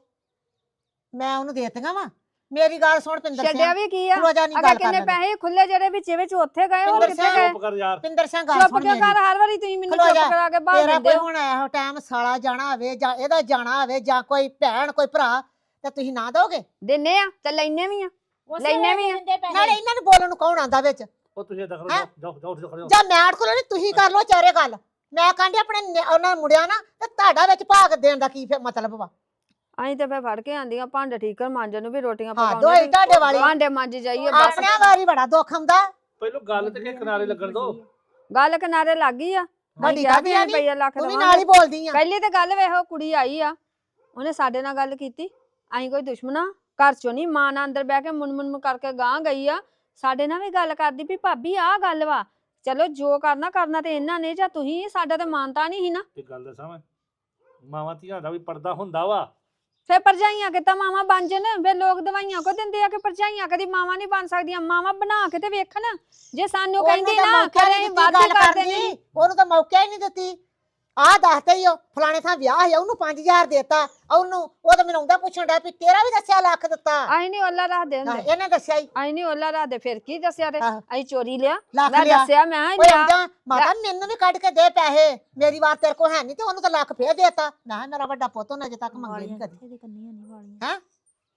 [SPEAKER 2] ਮੈਂ ਉਹਨੂੰ ਦੇਤੀਆਂ ਵਾ। ਮੇਰੀ ਗੱਲ ਸੁਣ ਪਿੰਦਰ
[SPEAKER 4] ਛੱਡਿਆ
[SPEAKER 2] ਸਿੰਘ,
[SPEAKER 4] ਵੀ ਕੀ ਆ,
[SPEAKER 2] ਰੋਜ਼ਾ ਨਹੀਂ
[SPEAKER 4] ਅਗੇ
[SPEAKER 2] ਗੱਲ
[SPEAKER 4] ਕਿੰਨੇ
[SPEAKER 2] ਕਰਨਾ।
[SPEAKER 4] ਪੈਸੇ ਖੁੱਲੇ ਜਿਹੜੇ ਵਿੱਚ ਵਿੱਚ ਉੱਥੇ ਗਏ, ਹੋਰ
[SPEAKER 2] ਪਿੰਦਰ
[SPEAKER 4] ਕਿੱਥੇ
[SPEAKER 2] ਸਿੰਘ,
[SPEAKER 4] ਗਏ?
[SPEAKER 1] ਚੁੱਪ ਕਰ ਯਾਰ।
[SPEAKER 2] ਪਿੰਦਰ ਸਿੰਘ ਗੱਲ
[SPEAKER 4] ਚੁੱਪ
[SPEAKER 2] ਸੁਣ
[SPEAKER 4] ਕਿਉਂ
[SPEAKER 2] ਮੇਰੀ।
[SPEAKER 4] ਕਰ? ਹਰ ਵਾਰੀ ਤੁਸੀਂ ਮੈਨੂੰ
[SPEAKER 2] ਖਲੋ
[SPEAKER 4] ਚੁੱਪ
[SPEAKER 2] ਜਾ।
[SPEAKER 4] ਕਰਾ ਕੇ ਬਾਹਰ
[SPEAKER 2] ਤੇਰਾ
[SPEAKER 4] ਦਿੰਦੇ
[SPEAKER 2] ਕੋਈ
[SPEAKER 4] ਹੋ।
[SPEAKER 2] ਹੁਣ ਇਹੋ ਟਾਈਮ ਸਾਲਾ ਜਾਣਾ ਹੋਵੇ ਜਾਂ ਇਹਦਾ ਜਾਣਾ ਹੋਵੇ ਜਾਂ ਕੋਈ ਭੈਣ ਕੋਈ ਭਰਾ ਤੇ ਤੁਸੀਂ ਨਾ ਦੋਗੇ।
[SPEAKER 4] ਦਿੰਨੇ ਆ ਤੇ ਲੈਨੇ ਵੀ ਆ।
[SPEAKER 5] ਉਸੇ
[SPEAKER 4] ਲੈਣੇ
[SPEAKER 5] ਵੇਲੇ
[SPEAKER 4] ਵੀ ਆ।
[SPEAKER 5] ਦਿੰਦੇ ਪੈਸੇ।
[SPEAKER 2] ਨਾਲੇ ਇਹਨਾਂ ਨੂੰ ਬੋਲਣ ਨੂੰ ਕੌਣ ਆਂਦਾ ਵਿੱਚ?
[SPEAKER 1] ਉਹ ਤੁਸੀਂ ਏਦਾਂ ਕਰੋ,
[SPEAKER 2] ਹੈਂ?
[SPEAKER 1] ਜਾਓ ਜਾਓ ਜਾਓ ਜਾਓ।
[SPEAKER 2] ਜਾਂ ਮੈਂ ਕੋਲ ਨਹੀਂ, ਤੁਸੀਂ ਕਰ ਲੋ ਚਾਰੇ ਗੱਲ। ਮੈਂ ਕਹਿੰਦੀ ਆਪਣੇ ਨਿ- ਉਹਨਾਂ ਮੁੰਡਿਆਂ ਨਾ ਤੇ ਤੁਹਾਡਾ ਵਿੱਚ ਭਾਗ ਦੇਣ ਦਾ ਕੀ ਫਿਰ ਮਤਲਬ ਵਾ?
[SPEAKER 4] ਅਸੀਂ ਤੇ ਫੇਰ ਫੜ ਕੇ ਆਂਦੀਆਂ ਭਾਂਡੇ ਠੀਕ ਕਰ ਮਾਂਜਣ ਨੂੰ ਵੀ, ਰੋਟੀਆਂ
[SPEAKER 2] ਹਾਂ
[SPEAKER 4] ਪਕਾਉਣੀਆਂ
[SPEAKER 2] ਦੋਈ ਤੁਹਾਡੇ ਵਾਲੀ।
[SPEAKER 4] ਭਾਂਡੇ ਮਾਂਜ ਜਾਈਏ ਬਸ।
[SPEAKER 2] ਆਪਣਿਆਂ ਵਾਰੀ ਬੜਾ ਦੁੱਖ ਆਉਂਦਾ।
[SPEAKER 1] ਪਹਿਲੋਂ ਗੱਲ ਤੇ ਕਿ ਕਿਨਾਰੇ ਲੱਗਣ ਦੋ।
[SPEAKER 4] ਗੱਲ ਕਿਨਾਰੇ ਲੱਗ ਗਈ ਆ।
[SPEAKER 2] ਵੱਡੀ
[SPEAKER 4] ਕਿਹਾ
[SPEAKER 2] ਕਾਹਦੀ
[SPEAKER 4] ਵੀ
[SPEAKER 2] ਆ
[SPEAKER 4] ਅਸੀਂ ਰੁਪਈਆ ਲੱਖ
[SPEAKER 2] ਤੂੰ ਵੀ
[SPEAKER 4] ਦੇਵਾਂਗੇ।
[SPEAKER 2] ਨਾਲ ਹੀ ਬੋਲਦੀ ਆ।
[SPEAKER 4] ਪਹਿਲੀ ਤੇ ਗੱਲ ਵੇਖੋ, ਕੁੜੀ ਆਈ ਆ, ਉਹਨੇ ਸਾਡੇ ਨਾਲ ਗੱਲ ਕੀਤੀ। ਅਸੀਂ ਕੋਈ ਦੁਸ਼ਮਣਾ ਘਰ ਚੋਂ ਨਹੀਂ, ਮਾਂ ਨਾਲ ਅੰਦਰ ਬਹਿ ਕੇ ਮੁਨ ਮੁਨ ਕਰਕੇ ਗਾਂ ਗਈ ਆ। ਸਾਡੇ ਨਾਲ ਵੀ ਗੱਲ ਕਰਦੀ ਵੀ ਭਾਬੀ ਆਹ ਗੱਲ ਵਾ। ਚਲੋ ਜੋ ਕਰਨਾ ਕਰਨਾ ਤੇ ਇਹਨਾਂ ਨੇ ਜਾਂ ਤੁਸੀਂ, ਸਾਡਾ ਤੇ ਮਾਨਤਾ ਨਹੀਂ ਸੀ ਨਾ।
[SPEAKER 1] ਤੇ ਗੱਲ ਦੱਸਾਂ ਮੈਂ, ਮਾਵਾਂ ਧੀਆਂ ਦਾ ਵੀ ਪਰਦਾ ਹੁੰਦਾ ਵਾ।
[SPEAKER 4] ਫੇਰ ਭਰਜਾਈਆਂ ਕਿਤਾ ਮਾਵਾਂ ਬਣ ਜਨ? ਫੇਰ ਲੋਕ ਦਵਾਈਆਂ ਕੋ ਦਿੰਦੇ ਆ ਕਿ ਭਰਜਾਈਆਂ ਕਦੀ ਮਾਵਾਂ ਨਹੀਂ ਬਣ ਸਕਦੀਆਂ। ਮਾਵਾਂ ਬਣਾ ਕੇ ਤੇ ਵੇਖਣ। ਜੇ ਸਾਨੂੰ
[SPEAKER 2] ਉਹਨੂੰ
[SPEAKER 4] ਕਹਿੰਦੀ
[SPEAKER 2] ਤਾਂ
[SPEAKER 4] ਨਾ
[SPEAKER 2] ਮੌਕਾ
[SPEAKER 4] ਕਰੇ
[SPEAKER 2] ਨਹੀਂ ਦਿੱਤੀ
[SPEAKER 4] ਵਾਧੂ
[SPEAKER 2] ਗੱਲ
[SPEAKER 4] ਕਰ
[SPEAKER 2] ਕਰਨ
[SPEAKER 4] ਦੇਣੀ।
[SPEAKER 2] ਦੀ, ਉਹਨੂੰ ਤਾਂ ਮੌਕਾ ਹੀ ਨਹੀਂ ਦਿੱਤੀ। ਆਹ ਦੱਸਦੇ ਹੀ ਉਹ ਫਲਾਣੇ ਥਾਂ ਵਿਆਹ ਹੈ, ਉਹਨੂੰ ਪੰਜ ਹਜ਼ਾਰ ਦੇਤਾ, ਉਹਨੂੰ ਉਹ ਤਾਂ ਮੈਨੂੰ ਆਉਂਦਾ ਪੁੱਛਣ ਡਿਆ ਵੀ ਤੇਰਾ ਵੀ ਦੱਸਿਆ ਲੱਖ ਦਿੱਤਾ।
[SPEAKER 4] ਅਸੀਂ ਨਹੀਂ ਓਲਾ ਰੱਖਦੇ
[SPEAKER 2] ਹਾਂ,
[SPEAKER 4] ਹੁੰਦੇ,
[SPEAKER 2] ਇਹਨੇ ਦੱਸਿਆ ਹੀ
[SPEAKER 4] ਅਸੀਂ ਨਹੀਂ ਓਲਾ ਰੱਖਦੇ। ਫਿਰ ਕੀ ਦੱਸਿਆ ਤੇ
[SPEAKER 2] ਆਹੋ।
[SPEAKER 4] ਅਸੀਂ ਚੋਰੀ ਲਿਆ।
[SPEAKER 2] ਲੱਖ
[SPEAKER 4] ਮੈਂ
[SPEAKER 2] ਲਿਆ।
[SPEAKER 4] ਦੱਸਿਆ ਮੈਂ
[SPEAKER 2] ਓਏ
[SPEAKER 4] ਲਿਆ।
[SPEAKER 2] ਆਉਂਦਾ ਮਾਤਾ ਮੈਨੂੰ ਵੀ ਕੱਢ ਕੇ ਦੇ ਪੈਸੇ, ਮੇਰੀ ਵਾਰ ਤੇਰੇ ਕੋਲ ਹੈ ਨਹੀਂ ਤੇ ਉਹਨੂੰ ਤਾਂ ਲੱਖ ਫੇਰ ਦੇਤਾ। ਮੈਂ ਕਿਹਾ ਮੇਰਾ ਵੱਡਾ ਪੁੱਤ ਉਹਨੇ ਅਜੇ ਤੱਕ ਮੰਗੇ ਨਹੀਂ ਕਦੀ।
[SPEAKER 5] ਇਹਦੇ ਕੰਨੀਆਂ ਨਹੀਂ ਵਾਲੀਆਂ।
[SPEAKER 2] ਹੈਂ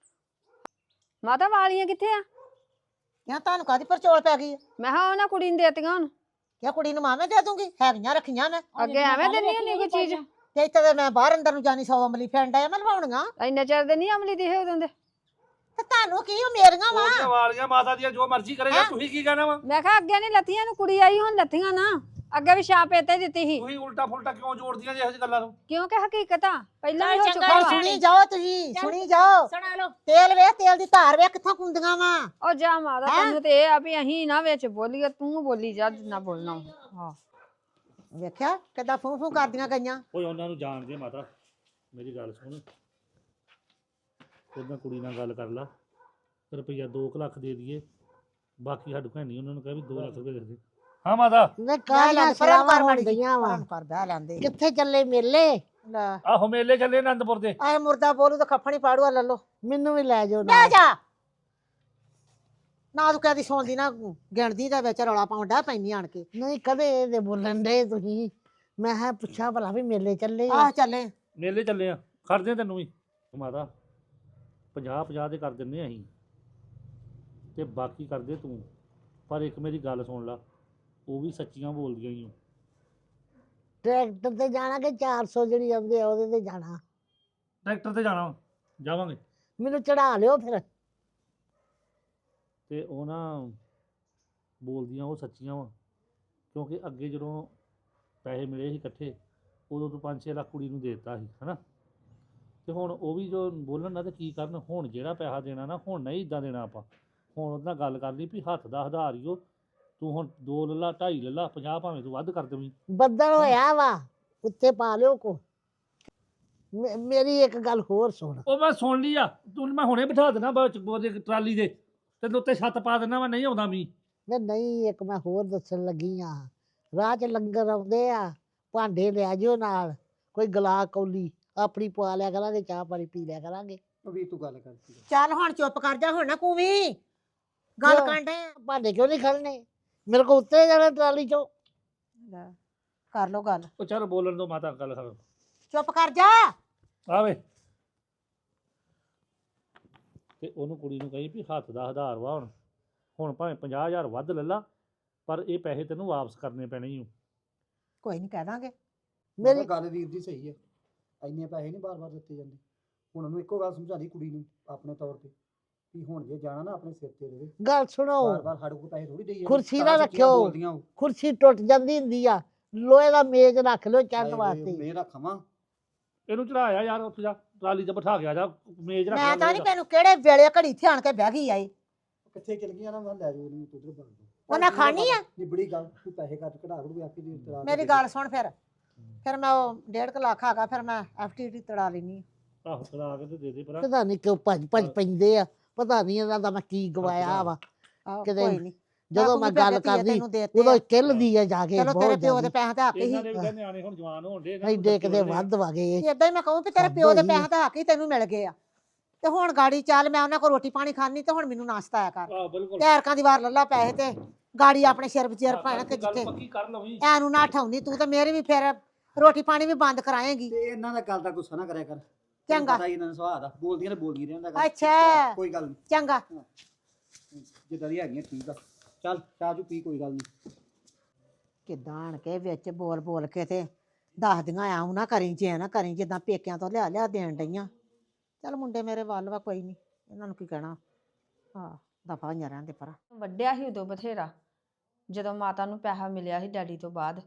[SPEAKER 4] ਮਾਤਾ ਵਾਲੀਆਂ ਕਿੱਥੇ ਆ?
[SPEAKER 2] ਕਿਹਾ ਤੁਹਾਨੂੰ ਕਾਹਦੀ ਪਰਚੋਲ ਪੈ ਗਈ?
[SPEAKER 4] ਮੈਂ ਕਿਹਾ ਉਹਨਾਂ ਕੁੜੀ ਨੂੰ ਦੇਤੀਆਂ ਹੁਣ।
[SPEAKER 2] ਕਿਹਾ ਕੁੜੀ ਨੂੰ ਮਾਵੇਂ ਦੇ ਦੂੰਗੀ, ਹੈਗੀਆਂ ਰੱਖੀਆਂ ਮੈਂ।
[SPEAKER 4] ਅੱਗੇ ਐਵੇਂ ਦਿੰਦੀ ਹੁੰਦੀ ਕੋਈ ਚੀਜ਼।
[SPEAKER 2] ਤੇ ਇੱਥੇ ਤੇ ਮੈਂ ਬਾਹਰ ਅੰਦਰ ਨੂੰ ਜਾਣੀ ਸੌ ਅਮਲੀ ਫੈਂਡ ਆਇਆ ਮੈਂ ਲਵਾਉਣੀਆਂ।
[SPEAKER 4] ਇੰਨੇ ਚਿਰ ਦੇ ਨਹੀਂ ਅਮਲੀ ਦਿਖੇ ਉਦੋਂ ਦੇ।
[SPEAKER 2] ਤੇ ਤੁਹਾਨੂੰ ਕੀ ਉਹ ਮੇਰੀਆਂ ਵਾ?
[SPEAKER 1] ਉਹਦੀਆਂ ਵਾਲੀਆਂ ਮਾਤਾ ਦੀਆਂ ਜੋ ਮਰਜ਼ੀ ਕਰੇਗਾ, ਤੁਸੀਂ ਕੀ ਕਹਿਣਾ ਵਾ?
[SPEAKER 4] ਮੈਂ ਕਿਹਾ ਅੱਗੇ ਨਹੀਂ ਲੱਥੀਆਂ ਨੂੰ, ਕੁੜੀ ਆਈ ਹੁਣ ਲੱਥੀਆਂ ਨਾ। ਅੱਗੇ ਵੀ ਛਾਪ ਇੱਥੇ ਦਿੱਤੀ ਸੀ,
[SPEAKER 1] ਤੁਸੀਂ ਉਲਟਾ ਫੁਲਟਾ ਕਿਉਂ ਜੋੜਦੀਆਂ ਜੇ ਇਹੋ ਜਿਹੀ ਗੱਲਾਂ ਨੂੰ?
[SPEAKER 4] ਕਿਉਂਕਿ ਹਕੀਕਤ ਆ ਪਹਿਲਾਂ ਵੀ ਹੋ
[SPEAKER 5] ਚੱਲ
[SPEAKER 4] ਚੁੱਕਾ
[SPEAKER 5] ਚੰਗਾ
[SPEAKER 4] ਵਾ।
[SPEAKER 5] ਜੀ।
[SPEAKER 2] ਸੁਣੀ ਜਾਓ ਤੁਸੀਂ,
[SPEAKER 5] ਚੱਲ।
[SPEAKER 2] ਸੁਣੀ ਜਾਓ।
[SPEAKER 5] ਸੁਣਾ ਲਓ।
[SPEAKER 2] ਤੇਲ ਵੇ, ਤੇਲ ਦੀ ਧਾਰ ਵੇ ਕਿੱਥੋਂ ਕੁੰਦੀਆਂ ਵਾ।
[SPEAKER 4] ਉਹ ਜਾ ਮਾਤਾ,
[SPEAKER 2] ਹੈਂ?
[SPEAKER 4] ਤੈਨੂੰ ਤੇ ਇਹ ਆ ਵੀ ਅਸੀਂ ਨਾ ਵਿੱਚ ਬੋਲੀਏ, ਤੂੰ ਬੋਲੀ ਜਾ ਜਿੰਨਾ ਬੋਲਣਾ। ਹਾਂ
[SPEAKER 2] ਵੇਖਿਆ ਕਿੱਦਾਂ ਫੂੰ ਫੂੰ ਕਰਦੀਆਂ ਗਈਆਂ।
[SPEAKER 1] ਓਏ ਉਹਨਾਂ ਨੂੰ ਜਾਣਦੇ ਮਾਤਾ, ਮੇਰੀ ਗੱਲ ਸੁਣ। ਉਹਦਾਂ ਕੁੜੀ ਨਾਲ ਗੱਲ ਕਰ ਲਾ, ਰੁਪਈਆ ਦੋ ਕੁ ਲੱਖ ਦੇ ਦਈਏ, ਬਾਕੀ ਸਾਡੇ ਕੋਲ ਨਹੀਂ। ਉਹਨਾਂ ਨੂੰ ਕਹਿ ਵੀ ਦੋ ਲੱਖ ਰੁਪਏ ਦੇ ਦੇ। ਹਾਂ ਮਾਤਾ,
[SPEAKER 6] ਮੈਂ
[SPEAKER 2] ਲੈ
[SPEAKER 6] ਕਾਹਦੀਆਂ
[SPEAKER 2] ਲੈ, ਪਰਾਂ
[SPEAKER 6] ਸਲਾਵਾਂ
[SPEAKER 2] ਕਰ ਮਾੜੀ ਜਿਹੀ,
[SPEAKER 6] ਹੁੰਦੀਆਂ ਵਾ
[SPEAKER 2] ਪਰਾਂ ਕਰ ਬਹਿ ਲੈਂਦੇ।
[SPEAKER 6] ਕਿੱਥੇ ਚੱਲੇ ਮੇਲੇ?
[SPEAKER 2] ਲੈ
[SPEAKER 1] ਆਹੋ ਮੇਲੇ ਚੱਲੇ ਆਨੰਦਪੁਰ ਦੇ।
[SPEAKER 2] ਆਏ ਮੁਰਦਾ ਬੋਲੂ ਤਾਂ ਖੱਫਣੀ ਪਾੜੂਆ ਲੈ ਲੋ।
[SPEAKER 6] ਮੈਨੂੰ ਵੀ ਲੈ ਜਾਓ
[SPEAKER 2] ਲੈ
[SPEAKER 6] ਨਾਲ।
[SPEAKER 2] ਜਾ ਨਾ ਤੂੰ ਕਹਦੀ ਸੌਂਦੀ ਨਾ ਗਿਣਦੀ ਦਾ ਵਿੱਚ ਰੌਲਾ ਪਾਉਂਦਾ ਪੈਂਦੀ ਆਣ ਕੇ।
[SPEAKER 6] ਨਹੀਂ ਕਦੇ ਦੇ ਬੋਲਣ ਦੇ ਤੁਸੀਂ। ਮੈਂ ਹੈ ਪੁੱਛਾਂ ਭਲਾ ਵੀ ਮੇਲੇ ਚੱਲੇ ਆ?
[SPEAKER 2] ਆਹ ਚੱਲੇ
[SPEAKER 1] ਮੇਲੇ ਚੱਲੇ ਆ, ਖੜਦੇ ਤੈਨੂੰ ਵੀ ਮਾਤਾ। ਪੰਜਾਹ ਪੰਜਾਹ ਦੇ ਕਰ ਦਿੰਦੇ ਅਸੀਂ, ਤੇ ਬਾਕੀ ਕਰਦੇ ਤੂੰ। ਪਰ ਇੱਕ ਮੇਰੀ ਗੱਲ ਸੁਣ ਲਾ, ਉਹ ਵੀ ਸੱਚੀਆਂ ਬੋਲਦੀਆਂ ਹੀ।
[SPEAKER 6] ਟਰੈਕਟਰ ਤੇ ਜਾਣਾ ਕਿ ਚਾਰ ਸੌ ਜਿਹੜੀ ਆਉਂਦੇ ਆ ਉਹਦੇ ਤੇ ਜਾਣਾ?
[SPEAKER 1] ਟਰੈਕਟਰ ਤੇ ਜਾਣਾ, ਜਾਵਾਂਗੇ।
[SPEAKER 6] ਮੈਨੂੰ ਚੜਾ ਲਿਓ ਫਿਰ।
[SPEAKER 1] ਤੇ ਉਹ ਨਾ ਬੋਲਦੀਆਂ ਉਹ ਸੱਚੀਆਂ ਵਾ, ਕਿਉਂਕਿ ਅੱਗੇ ਜਦੋਂ ਪੈਸੇ ਮਿਲੇ ਸੀ ਇਕੱਠੇ, ਉਦੋਂ ਤੋਂ ਪੰਜ ਛੇ ਲੱਖ ਕੁੜੀ ਨੂੰ ਦੇ ਦਿੱਤਾ ਸੀ, ਹਨਾ। ਤੇ ਹੁਣ ਉਹ ਵੀ ਜੋ ਬੋਲਣ ਨਾ ਤੇ ਕੀ ਕਰਨ। ਹੁਣ ਜਿਹੜਾ ਪੈਸਾ ਦੇਣਾ ਨਾ, ਹੁਣ ਨਹੀਂ ਇਦਾਂ ਦੇਣਾ ਆਪਾਂ। ਹੁਣ ਉਹਦੇ ਨਾਲ ਗੱਲ ਕਰ ਲਈ ਵੀ ਹੱਥ ਦਾ ਹਜ਼ਾਰ ਹੀ ਉਹ, ਤੂੰ ਹੁਣ ਦੋ ਲੱਲਾ ਢਾਈ ਲੱਲਾ ਪੰਜਾਹ ਭਾਵੇਂ ਤੂੰ ਵੱਧ ਕਰ ਦੇਵੀਂ।
[SPEAKER 6] ਬੱਦਲ ਹੋਇਆ ਵਾ, ਉੱਤੇ ਪਾ ਲਿਓ ਕੋ। ਮੇ- ਮੇਰੀ ਇੱਕ ਗੱਲ ਹੋਰ ਸੁਣ।
[SPEAKER 1] ਉਹ ਮੈਂ ਸੁਣ ਲਈ ਆ, ਤੂੰ ਮੈਂ ਹੁਣੇ ਬਿਠਾ ਦੇਣਾ ਬਾਅਦ ਚ ਉਹਦੇ ਟਰਾਲੀ ਦੇ ਤੇ ਉੱਤੇ ਛੱਤ ਪਾ ਦੇਣਾ। ਮੈਂ ਨਹੀਂ ਆਉਂਦਾ ਮੀਂਹ।
[SPEAKER 6] ਮੈਂ ਨਹੀਂ, ਇੱਕ ਮੈਂ ਹੋਰ ਦੱਸਣ ਲੱਗੀ ਆ। ਰਾਹ 'ਚ ਲੰਗਰ ਆਉਂਦੇ ਆ, ਭਾਂਡੇ ਲੈ ਜਿਓ ਨਾਲ, ਕੋਈ ਗਲਾ ਕੌਲੀ ਆਪਣੀ ਪਵਾ ਲਿਆ ਕਰਾਂਗੇ, ਚਾਹ ਪਾਣੀ ਪੀ ਲਿਆ ਕਰਾਂਗੇ।
[SPEAKER 3] ਉਹ ਵੀਰ ਤੂੰ ਗੱਲ ਕਰ ਠੀਕ ਆ।
[SPEAKER 2] ਚੱਲ ਹੁਣ ਚੁੱਪ ਕਰ ਜਾ, ਹੁਣ ਨਾ ਕੂਵੀਂ ਗੱਲ
[SPEAKER 6] ਕਿਉਂ?
[SPEAKER 2] ਕਰਨ ਡਏ ਆ।
[SPEAKER 6] ਭਾਂਡੇ ਕਿਉਂ ਨਹੀਂ ਖੜਨੇ? ਮੇਰੇ ਕੋਲ ਉੱਤੇ ਜਾਣਾ ਟਰਾਲੀ ਚੋਂ।
[SPEAKER 2] ਲੈ, ਕਰ ਲੋ ਗੱਲ,
[SPEAKER 1] ਉਹ ਚੱਲ ਬੋਲਣ ਤੋਂ ਮਾਤਾ ਗੱਲ ਕਰ
[SPEAKER 2] ਚੁੱਪ ਕਰ ਜਾ।
[SPEAKER 1] ਆਵੇ ਤੇ ਉਹਨੂੰ ਕੁੜੀ ਨੂੰ ਕਹੀ ਵੀ ਹੱਥ ਦਾ ਆਧਾਰ ਵਾ ਹੁਣ ਹੁਣ ਭਾਵੇਂ ਪੰਜਾਹ ਹਜ਼ਾਰ ਵੱਧ ਲੈ ਲਾ ਪਰ ਇਹ ਪੈਸੇ ਤੈਨੂੰ ਵਾਪਸ ਕਰਨੇ ਪੈਣੇ ਹੀ
[SPEAKER 2] ਕੋਈ ਨਹੀਂ ਕਹਿ ਦਾਂਗੇ।
[SPEAKER 6] ਮੇਰੀ
[SPEAKER 3] ਮੇਰੀ ਗੱਲ ਵੀਰ ਦੀ ਸਹੀ ਹੈ, ਇੰਨੇ ਪੈਸੇ ਨਹੀਂ ਬਾਰ-ਬਾਰ ਦਿੱਤੇ ਜਾਂਦੇ। ਹੁਣ ਉਹਨੂੰ ਇੱਕੋ ਗੱਲ ਸਮਝਾ ਦੀ ਕੁੜੀ ਨੂੰ ਆਪਣੇ ਤੌਰ ਤੇ ਵੀ ਹੁਣ ਜੇ ਜਾਣਾ ਨਾ ਆਪਣੇ ਸਿਰ ਤੇ ਰਹੇ,
[SPEAKER 6] ਗੱਲ ਸੁਣੋ,
[SPEAKER 3] ਬਾਰ-ਬਾਰ ਸਾਡੇ ਕੋਲ ਪੈਸੇ ਥੋੜੀ ਦੇਈ ਜਾਂਦੇ।
[SPEAKER 6] ਕੁਰਸੀ
[SPEAKER 3] ਤਾਂ
[SPEAKER 6] ਨਾ
[SPEAKER 3] ਸੱਚੀਆਂ
[SPEAKER 6] ਰੱਖਿਓ।
[SPEAKER 3] ਬੋਲਦੀਆਂ ਉਹ।
[SPEAKER 6] ਕੁਰਸੀ ਟੁੱਟ ਜਾਂਦੀ ਹੁੰਦੀ ਆ, ਲੋਹੇ ਦਾ ਮੇਜ਼ ਰੱਖ ਲਿਓ ਚੰਨ ਵਾਸਤੇ।
[SPEAKER 3] ਮੈਂ ਰੱਖਾਂ
[SPEAKER 1] ਇਹਨੂੰ ਚੜਾਇਆ ਯਾਰ ਉੱਥੇ ਜਾ ਟਰਾਲੀ ਤੇ ਬਿਠਾ ਕੇ ਆ ਜਾ ਮੇਜ਼ ਰੱਖ
[SPEAKER 2] ਮੈਂ
[SPEAKER 1] ਲੈ
[SPEAKER 2] ਤਾਂ ਨਹੀਂ
[SPEAKER 1] ਮੇਜ਼
[SPEAKER 2] ਤੈਨੂੰ ਕਿਹੜੇ ਵੇਲੇ ਘੜੀ ਇੱਥੇ ਆਣ ਕੇ ਬਹਿ ਗਈ ਆਈ।
[SPEAKER 3] ਕਿੱਥੇ ਚਲ ਗਈਆਂ ਨਾ, ਮੈਂ ਲੈ ਜਾਓ ਉਹਨੂੰ ਉਧਰ ਬੰਦ
[SPEAKER 2] ਉਹਨਾਂ ਖਾਣੀ ਆ?
[SPEAKER 3] ਨਿਬੜੀ ਗੱਲ, ਤੂੰ ਪੈਸੇ ਕੱਟ ਕਢਾ ਲੂ ਆਪੀ ਦੀ ਤਰਾ।
[SPEAKER 2] ਮੇਰੀ ਗੱਲ ਸੁਣ, ਫਿਰ ਫਿਰ ਮੈਂ ਉਹ ਡੇਢ ਕੁ ਲੱਖ ਹੈਗਾ, ਫਿਰ ਮੈਂ ਐਫਟੀਟੀ ਤੜਾ ਲੈਣੀ।
[SPEAKER 1] ਆਹੋ ਚੜਾ ਕੇ ਤੇ ਦੇ ਦੇ ਪਰ
[SPEAKER 6] ਪਤਾ ਨਹੀਂ ਕਿਉਂ ਭੱਜ ਭੱਜ ਪੈਂਦੇ ਆ, ਪਤਾ ਨਹੀਂ ਇਹਨਾਂ ਦਾ ਮੈਂ ਕੀ ਗਵਾਇਆ ਵਾ। ਕਿਤੇ
[SPEAKER 2] ਕੋਈ ਨਹੀਂ,
[SPEAKER 6] ਜਦੋਂ ਮੈਂ ਗੱਲ ਕਰਦੀ
[SPEAKER 2] ਤੈਨੂੰ ਦੇਤੇ
[SPEAKER 6] ਉਦੋਂ ਕਿੱਲਦੀ ਆ ਜਾ ਕੇ।
[SPEAKER 2] ਚਲੋ
[SPEAKER 6] ਬਹੁਤ
[SPEAKER 2] ਤੇਰੇ ਪਿਓ ਦੇ
[SPEAKER 6] ਜ਼ਿਆਦੀ।
[SPEAKER 2] ਪੈਸੇ ਤਾਂ ਹੱਕ
[SPEAKER 1] ਇਹਨਾਂ
[SPEAKER 2] ਹੀ।
[SPEAKER 1] ਦੇ ਵੀ ਕਹਿੰਦੇ ਨਿਆਣੇ ਹੁਣ ਜਵਾਨ ਹੋਣ ਦੇ
[SPEAKER 6] ਐਡੇ ਕਿਤੇ ਵੱਧ ਵਗੇ।
[SPEAKER 2] ਏਦਾਂ ਹੀ ਮੈਂ ਕਹੂੰ ਵੀ ਤੇਰੇ
[SPEAKER 6] ਹੱਦ
[SPEAKER 2] ਪਿਓ ਦੇ
[SPEAKER 6] ਹੋਈ
[SPEAKER 2] ਪੈਸੇ ਤਾਂ ਹੱਕ ਹੀ ਤੈਨੂੰ ਮਿਲ ਗਏ ਆ, ਤੇ ਹੁਣ ਗਾੜੀ ਚੱਲ, ਮੈਂ ਉਹਨਾਂ ਕੋਲ ਰੋਟੀ ਪਾਣੀ ਖਾਣੀ ਤੇ ਹੁਣ ਮੈਨੂੰ ਨਾਸ਼ਤਾ ਆਇਆ ਕਰ।
[SPEAKER 1] ਆਹ ਬਿਲਕੁਲ
[SPEAKER 2] ਟੈਰਕਾਂ ਦੀ ਵਾਰ ਲੱਲਾ ਪੈਸੇ ਤੇ ਗਾੜੀ ਆਪਣੇ ਸਿਰ ਵਿਚੇਰ ਪਾਣਾ ਕਿ
[SPEAKER 1] ਗੱਲ
[SPEAKER 2] ਜਿੱਥੇ
[SPEAKER 1] ਪੱਕੀ ਕਰ ਲਵੀਂ
[SPEAKER 2] ਐਨੂੰ ਨਾ ਠਾਉਂਦੀ ਤੂੰ, ਤੇ ਮੇਰੀ ਵੀ ਫਿਰ ਰੋਟੀ ਪਾਣੀ ਵੀ ਬੰਦ ਕਰਾਏਂਗੀ।
[SPEAKER 3] ਤੇ ਇਹਨਾਂ ਦਾ ਗੱਲ ਦਾ ਗੁੱਸਾ ਨਾ ਕਰਿਆ ਕਰ।
[SPEAKER 2] ਚੰਗਾ।
[SPEAKER 3] ਪਤਾ ਹੀ ਇਹਨਾਂ ਦਾ ਸੁਭਾਅ ਦਾ, ਬੋਲਦੀਆਂ ਨੇ ਬੋਲਦੀਆਂ ਰਹਿੰਦਾ ਗੱਲ।
[SPEAKER 2] ਅੱਛਾ।
[SPEAKER 3] ਕੋਈ ਗੱਲ ਨਹੀਂ,
[SPEAKER 2] ਚੰਗਾ।
[SPEAKER 3] ਜਿੱਦਾਂ ਦੀ ਹੈਗੀਆਂ ਠੀਕ ਆ। ਚੱਲ ਚਾਹ ਚੂ ਪੀ, ਕੋਈ ਗੱਲ ਨਹੀਂ।
[SPEAKER 2] ਕਿੱਦਾਂ ਆਣ ਕੇ ਵਿੱਚ ਬੋਲ ਬੋਲ ਕੇ ਤੇ ਦੱਸਦੀਆਂ ਆਉਂ ਨਾ ਕਰੀ, ਜੇ ਨਾ ਕਰੀ ਜਿੱਦਾਂ ਪੇਕਿਆਂ ਤੋਂ ਲਿਆ ਲਿਆ ਦੇਣ ਡਈਆਂ। ਚੱਲ ਮੁੰਡੇ ਮੇਰੇ ਵੱਲ ਵਾ, ਕੋਈ ਨਹੀਂ, ਇਹਨਾਂ ਨੂੰ ਕੀ ਕਹਿਣਾ। ਹਾਂ, ਦਫਾ ਹੋਈਆਂ ਰਹਿੰਦੇ ਪਰ।
[SPEAKER 4] ਵੱਡਿਆ ਸੀ ਉਦੋਂ ਬਥੇਰਾ, ਜਦੋਂ ਮਾਤਾ ਨੂੰ ਪੈਸਾ ਮਿਲਿਆ ਸੀ ਡੈਡੀ ਤੋਂ ਬਾਅਦ,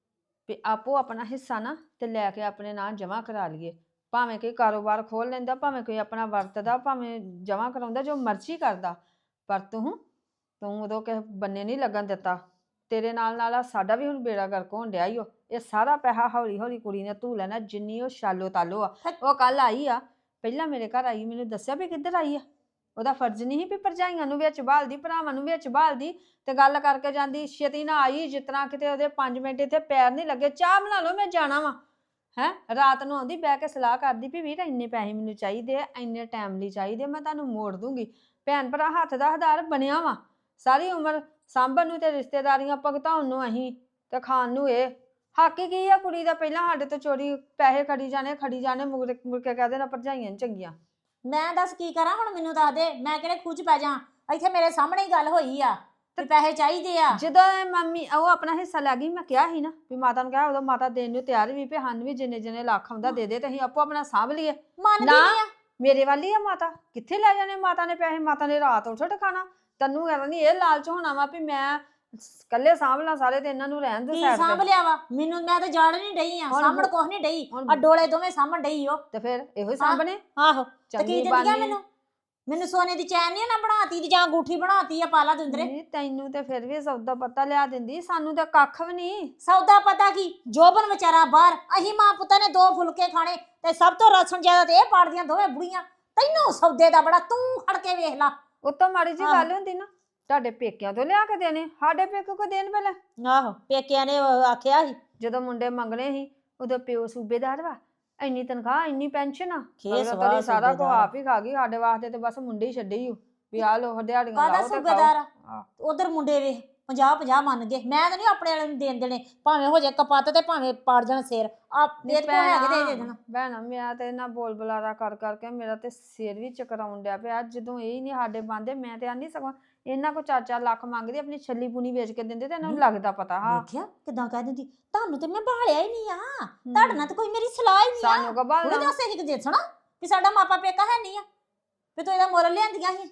[SPEAKER 4] ਵੀ ਆਪੋ ਆਪਣਾ ਹਿੱਸਾ ਨਾ ਤੇ ਲੈ ਕੇ ਆਪਣੇ ਨਾਂ ਜਮ੍ਹਾਂ ਕਰਾ ਲਈਏ। ਭਾਵੇਂ ਕੋਈ ਕਾਰੋਬਾਰ ਖੋਲ ਲੈਂਦਾ, ਭਾਵੇਂ ਕੋਈ ਆਪਣਾ ਵਰਤਦਾ, ਭਾਵੇਂ ਜਮ੍ਹਾਂ ਕਰਾਉਂਦਾ, ਜੋ ਮਰਜ਼ੀ ਕਰਦਾ, ਪਰ ਤੂੰ ਤੂੰ ਉਦੋਂ ਕਿਸੇ ਬੰਨੇ ਨਹੀਂ ਲੱਗਣ ਦਿੱਤਾ। ਤੇਰੇ ਨਾਲ ਨਾਲ ਆ ਸਾਡਾ ਵੀ ਹੁਣ ਬੇੜਾ ਗਰਕ ਹੋਣ ਡਿਆ ਈ ਓ। ਇਹ ਸਾਰਾ ਪੈਸਾ ਹੌਲੀ ਹੌਲੀ ਕੁੜੀ ਨੇ ਧੂ ਲੈਣਾ, ਜਿੰਨੀ ਉਹ ਸ਼ਾਲੋ ਤਾਲੋ ਆ। ਉਹ ਕੱਲ ਆਈ ਆ, ਪਹਿਲਾਂ ਮੇਰੇ ਘਰ ਆਈ, ਮੈਨੂੰ ਦੱਸਿਆ ਵੀ ਕਿੱਧਰ ਆਈ ਆ। ਉਹਦਾ ਫਰਜ਼ ਨਹੀਂ ਸੀ ਵੀ ਭਰਜਾਈਆਂ ਨੂੰ ਵਿੱਚ ਬਾਲਦੀ, ਭਰਾਵਾਂ ਨੂੰ ਵਿੱਚ ਬਾਲਦੀ ਤੇ ਗੱਲ ਕਰਕੇ ਜਾਂਦੀ। ਛੇਤੀ ਨਾ ਆਈ, ਜਿਸ ਤਰ੍ਹਾਂ ਕਿਤੇ ਉਹਦੇ ਪੰਜ ਮਿੰਟ ਇੱਥੇ ਪੈਰ ਨਹੀਂ ਲੱਗੇ। ਚਾਹ ਬਣਾ ਲਓ, ਮੈਂ ਜਾਣਾ ਵਾ। ਹੈਂ, ਰਾਤ ਨੂੰ ਆਉਂਦੀ, ਬਹਿ ਕੇ ਸਲਾਹ ਕਰਦੀ ਵੀ ਵੀਰ ਇੰਨੇ ਪੈਸੇ ਮੈਨੂੰ ਚਾਹੀਦੇ ਆ, ਇੰਨੇ ਟਾਈਮ ਲਈ ਚਾਹੀਦੇ, ਮੈਂ ਤੁਹਾਨੂੰ ਮੋੜ ਦੂੰਗੀ। ਭੈਣ ਭਰਾ ਹੱਥ ਦਾ ਹਜ਼ਾਰ ਬਣਿਆ ਵਾ, ਸਾਰੀ ਉਮਰ ਸਾਂਭਣ ਨੂੰ ਤੇ ਰਿਸ਼ਤੇਦਾਰੀਆਂ ਭੁਗਤਾਉਣ ਨੂੰ ਅਸੀਂ ਤੇ ਖਾਣ ਨੂੰ ਇਹ। ਹੱਕ ਹੀ ਕੀ ਆ ਕੁੜੀ ਦਾ? ਪਹਿਲਾਂ ਸਾਡੇ ਤੋਂ ਚੋਰੀ ਪੈਸੇ ਖੜੀ ਜਾਣੇ ਖੜੀ ਜਾਣੇ, ਮੁੜ ਮੁੜ ਕੇ ਕਹਿ ਦੇਣਾ ਭਰਜਾਈਆਂ ਨੀ ਚੰਗੀਆਂ।
[SPEAKER 5] ਮੈਂ ਦੱਸ ਕੀ ਕਰਾਂ ਹੁਣ, ਮੈਨੂੰ ਦੱਸ ਦੇ, ਮੈਂ ਕਿਹੜੇ ਖੂਚ ਪੈ ਜਾ? ਇੱਥੇ ਮੇਰੇ ਸਾਹਮਣੇ ਹੀ ਗੱਲ ਹੋਈ ਆ ਤੇ ਪੈਸੇ ਚਾਹੀਦੇ ਆ।
[SPEAKER 4] ਜਦੋਂ ਇਹ ਮੰਮੀ ਉਹ ਆਪਣਾ ਹਿੱਸਾ ਲੈ ਗਈ, ਮੈਂ ਕਿਹਾ ਸੀ ਨਾ ਵੀ ਮਾਤਾ ਨੂੰ ਕਿਹਾ, ਉਦੋਂ ਮਾਤਾ ਦੇਣ ਨੂੰ ਤਿਆਰ ਵੀ ਵੀ ਹਨ ਵੀ ਜਿੰਨੇ ਜਿੰਨੇ ਲੱਖ ਆਉਂਦਾ ਦੇ ਦੇ ਤੇ ਅਸੀਂ ਆਪੋ ਆਪਣਾ ਸਾਂਭ ਲਈਏ।
[SPEAKER 5] ਮੰਨਦੀ
[SPEAKER 4] ਨਾ
[SPEAKER 5] ਨਹੀਂ ਆ।
[SPEAKER 4] ਮੇਰੇ ਵੱਲ ਹੀ ਆ ਮਾਤਾ, ਕਿੱਥੇ ਲੈ ਜਾਣੇ ਮਾਤਾ ਨੇ ਪੈਸੇ? ਮਾਤਾ ਨੇ ਰਾਤ ਉੱਠ ਟਿਕਾਣਾ। ਤੈਨੂੰ ਕਹਿੰਦਾ ਨਹੀਂ ਇਹ ਲਾਲਚ ਹੋਣਾ ਵਾ ਵੀ ਮੈਂ ਕੱਲੇ ਸਾਂਭ ਲਾਂ ਸਾਰੇ, ਤੇ ਇਹਨਾਂ ਨੂੰ ਰਹਿਣ ਦੋ
[SPEAKER 5] ਕੀ
[SPEAKER 4] ਸਾਈਡ
[SPEAKER 5] ਸਾਂਭ
[SPEAKER 4] ਤੇ।
[SPEAKER 5] ਲਿਆ ਵਾ? ਮੈਨੂੰ ਮੈਂ ਤਾਂ ਜਾਣ ਨਹੀਂ ਡਈ ਆ,
[SPEAKER 4] ਹੁਣ
[SPEAKER 5] ਸਾਂਭਣ
[SPEAKER 4] ਹੁਣ-
[SPEAKER 5] ਕੁਛ ਨਹੀਂ ਡਈ,
[SPEAKER 4] ਹੁਣ-
[SPEAKER 5] ਆ ਡੋਲੇ ਦੋਵੇਂ ਸਾਂਭਣ ਡਈ ਓ।
[SPEAKER 4] ਤੇ ਫਿਰ ਇਹੋ ਹੀ ਸਾਂਭਣੇ।
[SPEAKER 5] ਆਹੋ, ਤੇ ਕੀ
[SPEAKER 4] ਚੰਗੀ
[SPEAKER 5] ਦਿੰਦੀਆਂ
[SPEAKER 4] ਬਾਨੀ।
[SPEAKER 5] ਮੈਨੂੰ? ਮੈਨੂੰ ਸੋਨੇ ਦੀ ਚੈਨ ਨਹੀਂ ਨਾ ਬਣਾਤੀ ਤੇ ਜਾਂ ਅੰਗੂਠੀ ਬਣਾਤੀ ਆ ਪਾਲਾ ਦੁੰਦਰੇ।
[SPEAKER 4] ਨਹੀਂ, ਤੈਨੂੰ ਤੇ ਫਿਰ ਵੀ ਸੌਦਾ ਪਤਾ ਲਿਆ ਦਿੰਦੀ, ਸਾਨੂੰ ਤਾਂ ਕੱਖ ਵੀ ਨਹੀਂ।
[SPEAKER 5] ਸੌਦਾ ਪਤਾ ਕੀ, ਜੋਬਨ ਵਿਚਾਰਾ ਬਾਹਰ, ਅਹੀਂ ਮਾਂ ਪੁੱਤਾਂ ਨੇ ਦੋ ਫੁਲਕੇ ਖਾਣੇ ਤੇ ਸਭ ਤੋਂ ਰਸਣ ਜ਼ਿਆਦਾ ਤੇ ਇਹ ਪਾੜਦੀਆਂ ਦੋਵੇਂ ਬੁੜੀਆਂ। ਤੈਨੂੰ ਸੌਦੇ ਦਾ ਬੜਾ, ਤੂੰ ਖੜ ਕੇ ਵੇਖ ਲਾ।
[SPEAKER 4] ਉਤੋਂ ਮਾੜੀ ਜੀ
[SPEAKER 5] ਆਹੋ।
[SPEAKER 4] ਗੱਲ ਹੁੰਦੀ ਨਾ, ਤੁਹਾਡੇ ਪੇਕਿਆਂ ਤੋਂ ਲਿਆ ਕੇ ਦੇਣੇ, ਸਾਡੇ ਪੇਕੇ ਕੋ ਦੇਣ ਪਹਿਲਾਂ।
[SPEAKER 5] ਆਹੋ, ਪੇਕਿਆਂ ਨੇ ਉਹ ਆਖਿਆ ਸੀ
[SPEAKER 4] ਜਦੋਂ ਮੁੰਡੇ ਮੰਗਣੇ ਸੀ ਉਦੋਂ ਪਿਓ ਸੂਬੇਦਾਰ ਵਾ, ਇੰਨੀ ਤਨਖਾਹ ਇੰਨੀ ਪੈਨਸ਼ਨ ਆ,
[SPEAKER 5] ਖੇਸ
[SPEAKER 4] ਅਗਲਾ
[SPEAKER 5] ਵਾਹ
[SPEAKER 4] ਤੇਰੀ ਸਾਰਾ ਕੁਝ
[SPEAKER 5] ਸੂਬੇਦਾਰ।
[SPEAKER 4] ਆਪ ਹੀ ਖਾ ਗਈ। ਸਾਡੇ ਵਾਸਤੇ ਤੇ ਬਸ ਮੁੰਡੇ ਹੀ ਛੱਡੇ ਹੀ ਵੀ ਆ ਲੋ ਦਿਹਾੜੀਆਂ
[SPEAKER 5] ਕਾਹਦਾ
[SPEAKER 4] ਲਾਓ ਤੇ
[SPEAKER 5] ਸੂਬੇਦਾਰ ਆ?
[SPEAKER 4] ਆਹ।
[SPEAKER 5] ਉਧਰ ਮੁੰਡੇ ਵੇਖ ਪੰਜਾਹ ਪੰਜਾਹ ਮੰਨ ਗਏ। ਮੈਂ ਤਾਂ ਨਹੀਂ ਆਪਣੇ ਵਾਲੇ ਨੂੰ ਦੇਣ ਦੇਣੇ, ਭਾਵੇਂ ਹੋ ਜਾਏ ਕਪੱਤ ਤੇ ਭਾਵੇਂ ਪਾੜ ਜਾਣ ਸਿਰ। ਆ ਦੇ ਕੋ ਹੈਗੇ ਤੇ ਦੇ ਦੇਣਾ।
[SPEAKER 4] ਭੈਣਾ ਮੇਰਾ ਤੇ ਨਾ ਬੋਲ ਬੁਲਾਰਾ ਕਰ ਕਰਕੇ ਮੇਰਾ ਤੇ ਸਿਰ ਵੀ ਚਕਰਾਉਣ ਡਿਆ ਪਿਆ। ਜਦੋਂ ਇਹ ਹੀ ਨਹੀਂ ਸਾਡੇ ਬੰਦੇ, ਮੈਂ ਤੇ ਆਂਦੀ ਸਗੋਂ ਇਹਨਾਂ ਕੋ ਚਾਰ ਚਾਰ ਲੱਖ ਮੰਗਦੀ, ਆਪਣੀ ਛੱਲੀ ਪੂਣੀ ਵੇਚ ਕੇ ਦਿੰਦੇ ਤੇ ਇਹਨਾਂ ਨੂੰ ਲੱਗਦਾ ਪਤਾ। ਹਾਂ,
[SPEAKER 5] ਵੇਖਿਆ ਕਿਦਾਂ ਕਹਿ ਦਿੰਦੀ, ਤੁਹਾਨੂੰ ਤੇ ਮੈਂ ਭਾਲਿਆ ਹੀ ਨਹੀਂ ਆ, ਤੁਹਾਡੇ ਨਾਲ ਤਾਂ ਕੋਈ ਮੇਰੀ ਸਲਾਹ ਹੀ ਨਹੀਂ ਆ।
[SPEAKER 4] ਸਾਨੂੰ ਕੋ ਬਾਲ
[SPEAKER 5] ਉਹਨੇ ਦੱਸ ਇਹ ਕਿ ਦੇਖਣਾ ਵੀ ਸਾਡਾ ਮਾਪਾ ਪੇਕਾ ਹੈ ਨਹੀਂ ਆ, ਵੀ ਤੂੰ ਇਹਦਾ ਮੁੱਲ ਲਿਆਂਦੀਆਂ ਸੀ।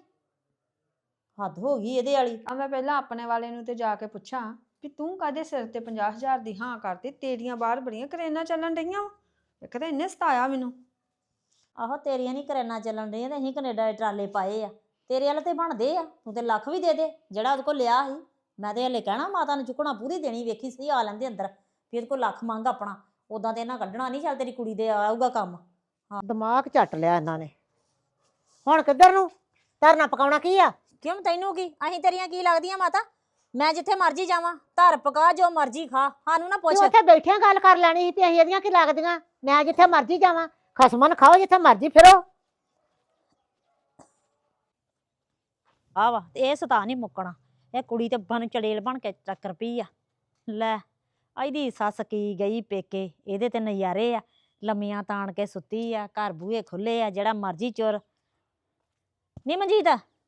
[SPEAKER 5] ਹੱਦ ਹੋ ਗਈ ਇਹਦੇ ਵਾਲੀ।
[SPEAKER 4] ਆ ਮੈਂ ਪਹਿਲਾਂ ਆਪਣੇ ਵਾਲੇ ਨੂੰ ਤੇ ਜਾ ਕੇ ਪੁੱਛਾਂ ਵੀ ਤੂੰ ਕਾਹਦੇ ਸਿਰ ਤੇ ਪੰਜਾਹ ਹਜ਼ਾਰ ਦੀ ਹਾਂ ਕਰਤੀ? ਤੇਰੀਆਂ ਬਾਹਰ ਬੜੀਆਂ ਕਰੇਨਾਂ ਚੱਲਣ ਡਈਆਂ ਵਾ। ਇੱਕ ਤਾਂ ਇਹਨੇ ਸਤਾਇਆ ਮੈਨੂੰ।
[SPEAKER 5] ਆਹੋ, ਤੇਰੀਆਂ ਨਹੀਂ ਕਰੇਨਾ ਚੱਲਣ ਡਈਆਂ ਤੇ ਅਸੀਂ ਕੈਨੇਡਾ ਦੇ ਟਰਾਲੇ ਪਾਏ ਆ, ਤੇਰੇ ਵਾਲੇ ਤੇ ਬਣਦੇ ਆ। ਤੂੰ ਤੇ ਲੱਖ ਵੀ ਦੇ ਦੇ ਜਿਹੜਾ ਉਹਦੇ ਕੋਲ ਲਿਆ ਸੀ। ਮੈਂ ਤੇ ਹਲੇ ਕਹਿਣਾ ਮਾਤਾ ਨੂੰ ਚੁੱਕਣਾ ਪੂਰੀ ਦੇਣੀ, ਵੇਖੀ ਸਹੀ ਆ ਲੈਂਦੇ ਅੰਦਰ ਵੀ ਇਹਦੇ ਕੋਲ ਲੱਖ ਮੰਗ ਆਪਣਾ। ਉਦਾਂ ਤੇ ਇਹਨਾਂ ਕੱਢਣਾ ਨਹੀਂ, ਚੱਲ ਤੇਰੀ ਕੁੜੀ ਦੇ ਆਊਗਾ ਕੰਮ।
[SPEAKER 2] ਦਿਮਾਗ ਝੱਟ ਲਿਆ ਇਹਨਾਂ ਨੇ। ਹੁਣ ਕਿੱਧਰ ਨੂੰ ਧਰਨਾ ਪਕਾਉਣਾ ਕੀ ਆ?
[SPEAKER 5] ਕਿਉਂ ਤੈਨੂੰ ਕੀ? ਅਸੀਂ ਤੇਰੀਆਂ ਕੀ ਲੱਗਦੀਆਂ ਮਾਤਾ? ਮੈਂ ਜਿੱਥੇ ਮਰਜ਼ੀ ਜਾਵਾਂ, ਧਰ ਪਕਾ ਜੋ ਮਰਜ਼ੀ ਖਾ, ਸਾਨੂੰ ਨਾ ਪੁੱਛ।
[SPEAKER 2] ਤੂੰ ਉੱਥੇ ਬੈਠਿਆਂ ਗੱਲ ਕਰ ਲੈਣੀ ਸੀ ਵੀ ਅਸੀਂ ਇਹਦੀਆਂ ਕੀ ਲੱਗਦੀਆਂ। ਮੈਂ ਜਿੱਥੇ ਮਰਜ਼ੀ ਜਾਵਾਂ, ਖਸਮਨ ਖਾਓ ਜਿੱਥੇ ਮਰਜ਼ੀ ਫਿਰੋ।
[SPEAKER 5] ਆ ਵਾ ਤੇ ਇਹ ਸਤਾ ਨਹੀਂ ਮੁੱਕਣਾ। ਇਹ ਕੁੜੀ ਤੇ ਬਨ ਚੜੇਲ ਬਣ ਕੇ ਚੱਕਰ ਪਈ ਆ। ਲੈ ਇਹਦੀ ਸੱਸ ਕੀ ਗਈ ਪੇਕੇ, ਇਹਦੇ ਤੇ ਨਜ਼ਾਰੇ ਆ। ਲੰਮੀਆਂ ਤਾਣ ਕੇ ਸੁੱਤੀ ਆ, ਘਰ ਬੂਹੇ ਖੁੱਲੇ ਆ, ਜਿਹੜਾ ਮਰਜ਼ੀ ਚੋਰ। ਨੀ ਮਨਜੀਤ,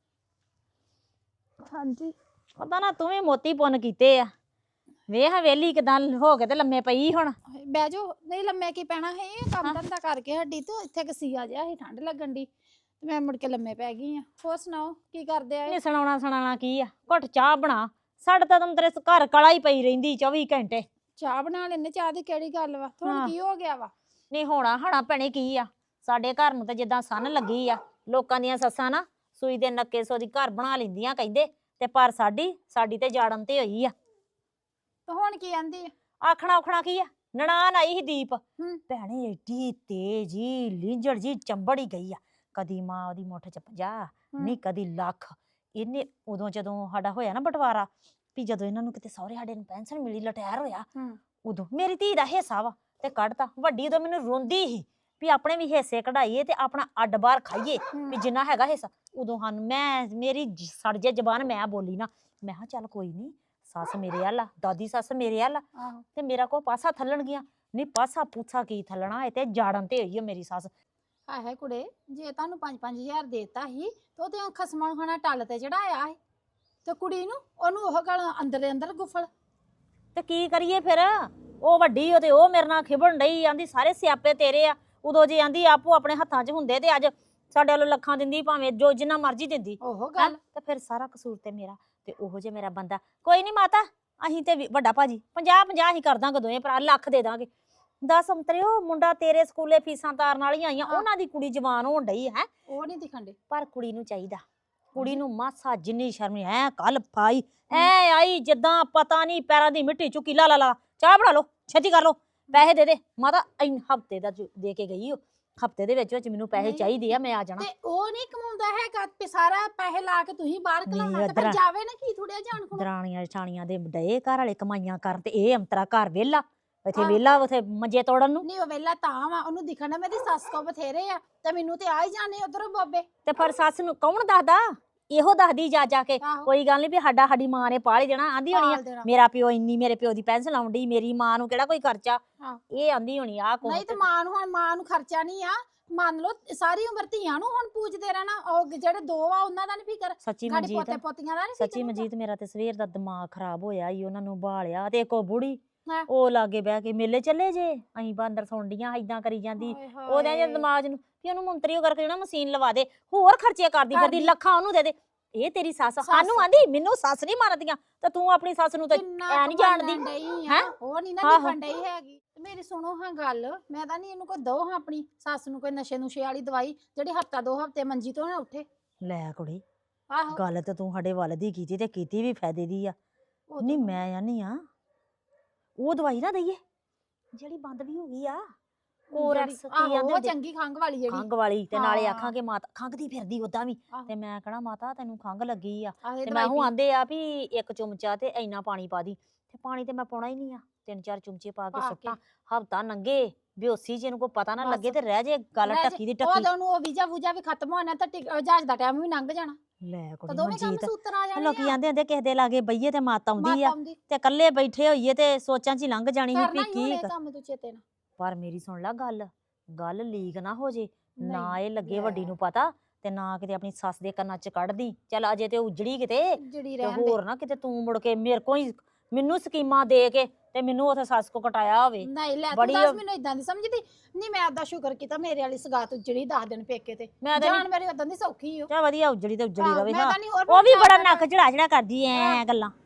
[SPEAKER 4] ਹਾਂਜੀ
[SPEAKER 5] ਪਤਾ ਨਾ ਤੂੰ ਵੀ ਮੋਤੀ ਪੁੰਨ ਕੀਤੇ ਆ। ਵੇਖ ਵੇਲੀ ਕਿਦਾਂ ਹੋ ਕੇ ਤੇ ਲੰਮੇ ਪਈ ਹੁਣ।
[SPEAKER 7] ਬਹਿ ਜਾਓ। ਨਹੀਂ ਲੰਮੇ ਕੀ ਪੈਣਾ ਹੈ, ਇਹ ਕੰਮ ਧੰਦਾ ਕਰਕੇ ਹੱਡੀ ਤੋਂ ਇੱਥੇ ਕਸੀਆ ਜਿਹਾ ਸੀ, ਠੰਡ ਲੱਗਣ ਦੀ ਤੇ ਮੈਂ ਮੁੜ ਕੇ ਲੰਮੇ ਪੈ ਗਈ ਆ। ਹੋਰ ਸੁਣਾਓ ਕੀ ਕਰਦੇ ਆ?
[SPEAKER 5] ਨਹੀਂ ਸੁਣਾਉਣਾ ਸੁਣਾਉਣਾ ਕੀ ਆ, ਘੁੱਟ ਚਾਹ ਬਣਾ। ਸਾਡੇ ਤਾਂ ਤੈਨੂੰ ਤੇਰੇ ਘਰ ਕਲਾ ਹੀ ਪਈ ਰਹਿੰਦੀ ਚੌਵੀ ਘੰਟੇ।
[SPEAKER 7] ਚਾਹ ਬਣਾ ਲੈਨੇ, ਚਾਹ ਦੀ ਕਿਹੜੀ ਗੱਲ ਵਾ?
[SPEAKER 5] ਹਾਂ।
[SPEAKER 7] ਤੁਹਾਨੂੰ ਕੀ ਹੋ ਗਿਆ ਵਾ?
[SPEAKER 5] ਨਹੀਂ ਹੋਣਾ ਹਣਾ ਭੈਣੇ ਕੀ ਆ, ਸਾਡੇ ਘਰ ਨੂੰ ਤਾਂ ਜਿੱਦਾਂ ਸੰਨ ਲੱਗੀ ਆ। ਲੋਕਾਂ ਦੀਆਂ ਸੱਸਾਂ ਨਾ ਸੂਈ ਦੇ ਨੱਕੇ ਸੋ ਦੀ ਘਰ ਬਣਾ ਲੈਂਦੀਆਂ ਕਹਿੰਦੇ, ਤੇ ਪਰ ਸਾਡੀ ਸਾਡੀ ਤੇ ਜਾੜਨ ਤੇ ਹੋਈ ਆ।
[SPEAKER 7] ਤੇ ਹੁਣ ਕੀ ਆਂਦੀ ਆ?
[SPEAKER 5] ਆਖਣਾ ਉਖਣਾ ਕੀ ਆ, ਨਨਾਣ ਆਈ ਸੀ ਦੀਪ।
[SPEAKER 7] ਹੂੰ।
[SPEAKER 5] ਭੈਣੇ ਏਡੀ ਤੇਜੀ ਲੀਂਜੜ ਜੀ ਚੰਬੜ ਹੀ ਗਈ ਆ। ਕਦੀ ਮਾਂ ਉਹਦੀ ਮੁੱਠ ਚ ਪੰਜਾਹ, ਨਹੀਂ ਕਦੀ ਲੱਖ। ਇਹਨੇ ਉਦੋਂ ਜਦੋਂ ਸਾਡਾ ਹੋਇਆ ਨਾ ਬਟਵਾਰਾ, ਵੀ ਜਦੋਂ ਇਹਨਾਂ ਨੂੰ ਕਿਤੇ ਸਹੁਰੇ ਸਾਡੇ ਨੂੰ ਪੈਨਸ਼ਨ ਮਿਲੀ, ਲਟੈਰ ਹੋਇਆ,
[SPEAKER 7] ਹੂੰ।
[SPEAKER 5] ਉਦੋਂ ਮੇਰੀ ਧੀ ਦਾ ਹਿੱਸਾ ਵਾ ਤੇ ਕੱਢਤਾ। ਵੱਡੀ ਉਦੋਂ ਮੈਨੂੰ ਰੋਂਦੀ ਸੀ ਵੀ ਆਪਣੇ ਵੀ ਹਿੱਸੇ ਕਢਾਈਏ ਤੇ ਆਪਣਾ ਅੱਡ ਬਾਹਰ ਖਾਈਏ, ਵੀ ਜਿੰਨਾ ਹੈਗਾ ਹਿੱਸਾ। ਉਦੋਂ ਸਾਨੂੰ ਮੈਂ ਮੇਰੀ ਜ- ਸੜ ਜੇ ਜ਼ਬਾਨ ਮੈਂ ਬੋਲੀ ਨਾ, ਮੈਂ ਕਿਹਾ ਚੱਲ ਕੋਈ ਨਹੀਂ, ਸੱਸ ਮੇਰੇ ਵੱਲ ਆ, ਦਾਦੀ ਸੱਸ ਮੇਰੇ ਵੱਲ ਆ,
[SPEAKER 7] ਆਹੋ।
[SPEAKER 5] ਤੇ ਮੇਰਾ ਕੋ ਪਾਸਾ ਥੱਲਣ ਗਿਆ। ਨਹੀਂ ਪਾਸਾ ਪੂਛਾ ਕੀ ਥੱਲਣਾ, ਇਹ ਤੇ ਜਾੜਨ ਤੇ ਹੋਈ ਆ ਮੇਰੀ ਸੱਸ।
[SPEAKER 7] ਹਾਏ ਹਾਏ ਕੁੜੇ, ਜੇ ਤੁਹਾਨੂੰ ਪੰਜ ਪੰਜ ਹਜ਼ਾਰ ਦੇਤਾ ਸੀ ਤੇ ਉਹ ਤੇ ਖਸਮਾਂ ਨੂੰ ਖਾਣਾ ਟੱਲ ਤੇ ਚੜਾਇਆ ਸੀ, ਤੇ ਕੁੜੀ ਨੂੰ ਉਹਨੂੰ ਉਹ ਗੱਲ ਅੰਦਰ ਦੇ ਅੰਦਰ ਗੁਫਲ।
[SPEAKER 5] ਤੇ ਕੀ ਕਰੀਏ ਫਿਰ? ਉਹ ਵੱਡੀ ਉਹ ਤੇ ਉਹ ਮੇਰੇ ਨਾਲ ਖਿਬਣ ਡਈ, ਆਂਦੀ ਸਾਰੇ ਸਿਆਪੇ ਤੇਰੇ ਆ। ਉਦੋਂ ਜੇ ਆਂਦੀ ਆਪੋ ਆਪਣੇ ਹੱਥਾਂ 'ਚ ਹੁੰਦੇ ਤੇ ਅੱਜ ਸਾਡੇ ਵੱਲੋਂ ਲੱਖਾਂ ਦਿੰਦੀ, ਭਾਵੇਂ ਜੋ ਜਿੰਨਾ ਮਰਜ਼ੀ ਦਿੰਦੀ।
[SPEAKER 7] ਉਹ
[SPEAKER 5] ਹੈਂ?
[SPEAKER 7] ਗੱਲ
[SPEAKER 5] ਤੇ ਫਿਰ ਸਾਰਾ ਕਸੂਰ ਤੇ ਮੇਰਾ। ਤੇ ਉਹੋ ਜੇ ਮੇਰਾ ਬੰਦਾ, ਕੋਈ ਨਹੀਂ ਮਾਤਾ, ਅਸੀਂ ਤੇ ਵੀ- ਵੱਡਾ ਭਾਜੀ ਪੰਜਾਹ ਪੰਜਾਹ ਅਸੀਂ ਕਰ ਦਾਂਗੇ, ਦੋਵੇਂ ਭਰਾ ਲੱਖ ਦੇ ਦਾਂਗੇ। ਦਸ ਅੰਤਰਿਓ, ਮੁੰਡਾ ਤੇਰੇ ਸਕੂਲੇ ਫੀਸਾਂ ਤਾਰਨ ਵਾਲੀਆਂ ਆਈਆਂ,
[SPEAKER 7] ਹਾਂ।
[SPEAKER 5] ਉਹਨਾਂ ਦੀ ਕੁੜੀ ਜਵਾਨ ਹੋਣ ਡਈ ਹੈ।
[SPEAKER 7] ਉਹ ਨਹੀਂ ਦਿਖਣ ਦੇ।
[SPEAKER 5] ਪਰ ਕੁੜੀ ਨੂੰ ਚਾਹੀਦਾ, ਕੁੜੀ ਨੂੰ ਮਾਸਾ ਜਿੰਨੀ ਸ਼ਰਮ ਨੀ। ਐ ਕੱਲ ਪਾਈ ਐ ਆਈ ਜਿੱਦਾਂ ਪਤਾ ਨਹੀਂ ਪੈਰਾਂ ਦੀ ਮਿੱਟੀ ਚੁੱਕੀ। ਲਾ ਲਾ ਲਾ ਚਾਹ ਬਣਾ ਲਓ, ਛੇਤੀ ਕਰ ਲਓ, ਪੈਸੇ ਦੇ ਦੇ। ਮਾਤਾ ਇਨ ਹਫਤੇ ਦਾ ਜੋ ਦੇ ਕੇ ਗਈ, ਉਹ ਹਫਤੇ ਦੇ ਵਿੱਚ ਵਿੱਚ ਮੈਨੂੰ ਪੈਸੇ
[SPEAKER 7] ਨਹੀਂ।
[SPEAKER 5] ਚਾਹੀਦੇ ਆ, ਮੈਂ ਆ ਜਾਣਾ।
[SPEAKER 7] ਤੇ ਉਹ ਨਹੀਂ ਕਮਾਉਂਦਾ ਹੈਗਾ ਤੇ ਸਾਰਾ ਪੈਸੇ ਲਾ ਕੇ ਤੁਸੀਂ ਬਾਹਰ
[SPEAKER 5] ਨਹੀਂ,
[SPEAKER 7] ਕਲਾਉਣਾ, ਤੇ ਫਿਰ
[SPEAKER 5] ਇੱਧਰ-
[SPEAKER 7] ਜਾਵੇ ਨਾ ਕੀ ਥੋੜਿਆ ਜਾਣ ਖੁਣਾ।
[SPEAKER 5] ਦਰਾਣੀਆਂ ਜਠਾਣੀਆਂ ਦੇ ਡਏ ਘਰ ਵਾਲੇ ਕਮਾਈਆਂ ਕਰਨ, ਤੇ ਇਹ ਅੰਤਰਾ ਘਰ ਵਿਹਲਾ, ਇੱਥੇ
[SPEAKER 7] ਆਹ।
[SPEAKER 5] ਵਿਹਲਾ, ਉਥੇ ਮੰਜੇ ਤੋੜਨ ਨੂੰ।
[SPEAKER 7] ਨਹੀਂ ਉਹ ਵੇਲਾ ਤਾਂ ਵਾ, ਉਹਨੂੰ ਦਿਖਣ ਨਾ ਮੇਰੀ ਸੱਸ ਕੋ ਬਥੇਰੇ ਆ, ਤੇ ਮੈਨੂੰ ਤੇ ਆ ਹੀ ਜਾਣੇ ਉਧਰੋਂ ਬੋਬੇ।
[SPEAKER 5] ਤੇ ਫਿਰ ਸੱਸ ਨੂੰ ਕੌਣ ਦੱਸਦਾ? ਇਹੋ ਦੱਸਦੀ ਜਾ ਜਾ ਕੇ,
[SPEAKER 7] ਆਹੋ।
[SPEAKER 5] ਕੋਈ ਗੱਲ ਨਹੀਂ ਵੀ ਸਾਡਾ ਸਾਡੀ ਮਾਂ ਨੇ ਪਾਲ ਹੀ ਦੇਣਾ। ਆਂਦੀ ਹੋਣੀ ਆ,
[SPEAKER 7] ਪਾਲ ਦੇਣਾ।
[SPEAKER 5] ਮੇਰਾ ਪਿਓ ਇੰਨੀ ਮੇਰੇ ਪਿਓ ਦੀ ਪੈਨਸ਼ਨ ਆਉਂਦੀ, ਮੇਰੀ ਮਾਂ ਨੂੰ ਕਿਹੜਾ ਕੋਈ ਖਰਚਾ।
[SPEAKER 7] ਹਾਂ।
[SPEAKER 5] ਇਹ ਆਂਦੀ ਹੋਣੀ ਆ ਕੋ।
[SPEAKER 7] ਨਹੀਂ ਤੇ ਮਾਂ ਨੂੰ ਹੁਣ ਮਾਂ ਨੂੰ ਖਰਚਾ ਨਹੀਂ ਆ, ਮੰਨ ਲਓ ਸਾਰੀ ਉਮਰ ਧੀਆਂ ਨੂੰ ਹੁਣ ਪੂਜਦੇ ਰਹਿਣਾ। ਉਹ ਜਿਹੜੇ ਦੋ ਆ ਉਹਨਾਂ ਦਾ ਨਹੀਂ ਫਿਕਰ,
[SPEAKER 5] ਸੱਚੀ
[SPEAKER 7] ਸਾਡੇ
[SPEAKER 5] ਮਨਜੀਤ,
[SPEAKER 7] ਪੋਤੇ ਪੋਤੀਆਂ ਦਾ ਨਹੀਂ
[SPEAKER 5] ਸੱਚੀ
[SPEAKER 7] ਫਿਕਰ।
[SPEAKER 5] ਮਨਜੀਤ, ਮੇਰਾ ਤੇ ਸਵੇਰ ਦਾ ਦਿਮਾਗ ਖਰਾਬ ਹੋਇਆ ਈ। ਉਹਨਾਂ ਨੂੰ ਬਾਲਿਆ ਤੇ ਇੱਕ ਉਹ ਬੁੜੀ,
[SPEAKER 7] ਹਾਂ।
[SPEAKER 5] ਉਹ ਲਾਗੇ ਬਹਿ ਕੇ ਮੇਲੇ ਚੱਲੇ ਜੇ, ਅਸੀਂ ਬਾਂਦਰ ਸੁਣਦੀਆਂ ਏਦਾਂ ਕਰੀ ਜਾਂਦੀ। ਉਹਦੇ ਜੇ ਦਿਮਾਗ ਨੂੰ ਵੀ ਉਹਨੂੰ ਮੰਤਰੀ ਕਰਕੇ ਜਿਹੜਾ ਮਸ਼ੀਨ ਲਵਾ ਦੇ, ਹੋਰ ਖਰਚੇ ਕਰਦੀ ਫਿਰਦੀ,
[SPEAKER 7] ਕਰਦੀ।
[SPEAKER 5] ਲੱਖਾਂ ਉਹਨੂੰ ਦੇ ਦੇ। ਇਹ ਤੇਰੀ ਸੱਸ
[SPEAKER 7] ਸੱਸ।
[SPEAKER 5] ਸਾਨੂੰ ਆਂਦੀ ਮੈਨੂੰ ਸੱਸ ਨਹੀਂ ਮੰਨਦੀਆਂ, ਤੇ ਤੂੰ ਆਪਣੀ ਸੱਸ ਨੂੰ ਤਾਂ ਐ ਨਹੀਂ ਜਾਣਦੀ।
[SPEAKER 7] ਡਈ
[SPEAKER 5] ਹੈਂ?
[SPEAKER 7] ਆ ਉਹ ਨਹੀਂ ਨਾ
[SPEAKER 5] ਆਹੋ।
[SPEAKER 7] ਦਿਖਣ ਡਈ ਹੈਗੀ। ਤੇ ਮੇਰੀ ਸੁਣੋ ਹਾਂ ਗੱਲ, ਮੈਂ ਤਾਂ ਨਹੀਂ ਇਹਨੂੰ ਕੋਈ ਦੋ ਹਾਂ ਆਪਣੀ ਸੱਸ ਨੂੰ ਕੋਈ ਨਸ਼ੇ ਨੁਸ਼ੇ ਵਾਲੀ ਦਵਾਈ ਜਿਹੜੀ ਹਫਤਾ ਦੋ ਹਫਤੇ ਮੰਜੀ ਤੋਂ ਨਾ ਉੱਠੇ।
[SPEAKER 5] ਲੈ ਕੁੜੀ,
[SPEAKER 7] ਆਹੋ
[SPEAKER 5] ਗੱਲ ਤਾਂ ਤੂੰ ਸਾਡੇ ਵੱਲ ਦੀ ਕੀਤੀ ਤੇ ਕੀਤੀ ਵੀ ਫਾਇਦੇ ਦੀ ਆ।
[SPEAKER 7] ਉਹ
[SPEAKER 5] ਨਹੀਂ
[SPEAKER 7] ਤਾਂ-
[SPEAKER 5] ਮੈਂ ਆਨੀ ਆ ਉਹ ਦਵਾਈ ਨਾ ਦਈਏ ਜਿਹੜੀ ਬੰਦ ਵੀ ਹੋ ਗਈ ਆ, ਕੋਰੈਕਸ ਕੀ
[SPEAKER 7] ਆਹੋ,
[SPEAKER 5] ਆਂਦੇ
[SPEAKER 7] ਉਹ
[SPEAKER 5] ਹੁੰਦੇ,
[SPEAKER 7] ਚੰਗੀ ਖੰਗ ਵਾਲੀ ਜਿਹੜੀ
[SPEAKER 5] ਖੰਘ ਵਾਲੀ। ਤੇ ਨਾਲੇ
[SPEAKER 7] ਹਾਂ।
[SPEAKER 5] ਆਖਾਂਗੇ ਮਾਤਾ ਖੰਘਦੀ ਫਿਰਦੀ ਉਦਾਂ ਵੀ,
[SPEAKER 7] ਆਹੋ।
[SPEAKER 5] ਤੇ ਮੈਂ ਕਹਣਾ ਮਾਤਾ ਤੈਨੂੰ ਖੰਘ ਲੱਗੀ ਆ,
[SPEAKER 7] ਆਹੋ,
[SPEAKER 5] ਤੇ
[SPEAKER 7] ਦਵਾਈ
[SPEAKER 5] ਮੈਂ ਹੂੰ
[SPEAKER 7] ਪੀ।
[SPEAKER 5] ਆਂਦੇ ਆ ਵੀ ਇੱਕ ਚਮਚਾ ਤੇ ਇੰਨਾ ਪਾਣੀ ਪਾ ਦੀ। ਤੇ ਪਾਣੀ ਤੇ ਮੈਂ ਪਾਉਣਾ ਹੀ ਨਹੀਂ ਆ, ਤਿੰਨ ਚਾਰ ਚਮਚੇ ਪਾ ਕੇ
[SPEAKER 7] ਪਾ
[SPEAKER 5] ਸੁੱਟਾਂ। ਹਫਤਾ ਨੰਗੇ ਬੇਹੋਸੀ ਜਿਹਨੂੰ ਕੋ ਪਤਾ ਨਾ
[SPEAKER 7] ਬਸ।
[SPEAKER 5] ਲੱਗੇ ਤੇ ਰਹਿ ਜੇ ਗੱਲ
[SPEAKER 7] ਰਹਿ ਜੇ।
[SPEAKER 5] ਟੱਕੀ ਦੀ
[SPEAKER 7] ਉਹ
[SPEAKER 5] ਟੱਕੀ।
[SPEAKER 7] ਤਾਂ ਉਹਨੂੰ ਉਹ ਵੀਜ਼ਾ ਵੂਜਾ ਵੀ ਖਤਮ ਹੋਣਾ ਤਾਂ ਟਿਕ- ਜਹਾਜ਼ ਦਾ ਟਾਈਮ ਵੀ ਲੰਘ ਜਾਣਾ,
[SPEAKER 5] ਲੈ
[SPEAKER 7] ਤਾਂ
[SPEAKER 5] ਕੁੜੀ
[SPEAKER 7] ਦੋਵੇਂ ਕੰਮ
[SPEAKER 5] ਮਨਜੀਤ,
[SPEAKER 7] ਸੂਤਰ ਆ ਜਾਣੇ
[SPEAKER 5] ਲੋਕੀ
[SPEAKER 7] ਆ।
[SPEAKER 5] ਆਂਦੇ ਹੁੰਦੇ ਕਿਸੇ ਦੇ ਲਾਗੇ ਬਈਏ ਤੇ ਮੱਤ ਆਉਂਦੀ
[SPEAKER 7] ਮਾਤਾ
[SPEAKER 5] ਆ,
[SPEAKER 7] ਆਉਂਦੀ।
[SPEAKER 5] ਤੇ ਇਕੱਲੇ ਬੈਠੇ ਹੋਈਏ ਤੇ ਸੋਚਾਂ 'ਚ ਹੀ ਲੰਘ ਜਾਣੀ ਸੀ
[SPEAKER 7] ਕਰਨਾ
[SPEAKER 5] ਵੀ
[SPEAKER 7] ਹੀ
[SPEAKER 5] ਕੀ
[SPEAKER 7] ਹੋਣੇ
[SPEAKER 5] ਕਰ-
[SPEAKER 7] ਕੰਮ ਤੂੰ ਚੇਤੇ ਨਾਲ।
[SPEAKER 5] ਪਰ ਮੇਰੀ ਸੁਣ ਲੈ ਗੱਲ, ਗੱਲ ਲੀਕ ਨਾ ਹੋ ਜੇ, ਨਾ
[SPEAKER 7] ਨਹੀਂ,
[SPEAKER 5] ਇਹ ਲੱਗੇ
[SPEAKER 7] ਲੈ।
[SPEAKER 5] ਵੱਡੀ ਨੂੰ ਪਤਾ, ਤੇ ਨਾ ਕਿਤੇ ਆਪਣੀ ਸੱਸ ਦੇ ਕੰਨਾਂ 'ਚ ਕੱਢਦੀ। ਚੱਲ ਅਜੇ ਤੇ ਉਜੜੀ ਕਿਤੇ,
[SPEAKER 7] ਜਿਹੜੀ
[SPEAKER 5] ਤੇ
[SPEAKER 7] ਰਹਿਣ ਦੇ।
[SPEAKER 5] ਹੋਰ ਨਾ ਕਿਤੇ ਤੂੰ ਮੁੜ ਕੇ ਮੇਰੇ ਕੋਲ ਹੀ ਮੈਨੂੰ ਸਕੀਮਾਂ ਦੇ ਕੇ ਤੇ ਮੈਨੂੰ ਉੱਥੇ ਸੱਸ ਕੋ ਕਟਾਇਆ ਹੋਵੇ।
[SPEAKER 7] ਨਹੀਂ ਲੈ ਤੂੰ
[SPEAKER 5] ਬੜੀ
[SPEAKER 7] ਦੱਸ
[SPEAKER 5] ਉਹ-
[SPEAKER 7] ਮੈਨੂੰ ਇਦਾਂ ਦੀ ਸਮਝਦੀ ਨਹੀਂ। ਮੈਂ ਆਦਾ ਸ਼ੁਕਰ ਕੀਤਾ ਮੇਰੇ ਵਾਲੀ ਸਗਾਤ ਜਿਹੜੀ ਦਸ ਦਿਨ ਪੇਕੇ ਤੇ
[SPEAKER 5] ਮੈਂ ਤਾਂ
[SPEAKER 7] ਜਾਨ ਮੇਰੀ ਉਦਾਂ ਦੀ ਸੌਖੀ ਓ।
[SPEAKER 5] ਚਾ ਵਧੀਆ ਉਜੜੀ ਤੇ ਉਜੜੀ
[SPEAKER 7] ਆਹੋ,
[SPEAKER 5] ਰਵੇ।
[SPEAKER 7] ਮੈਂ
[SPEAKER 5] ਹਾਂ
[SPEAKER 7] ਤਾਂ ਨਹੀਂ ਹੋਰ
[SPEAKER 5] ਉਹ ਵੀ
[SPEAKER 7] ਚਾਰ
[SPEAKER 5] ਬੜਾ
[SPEAKER 7] ਦਿਨ-
[SPEAKER 5] ਨੱਕ ਚੜਾ ਚੜਾ ਕਰਦੀ ਐ
[SPEAKER 7] ਹਾਂ।
[SPEAKER 5] ਗੱਲਾਂ।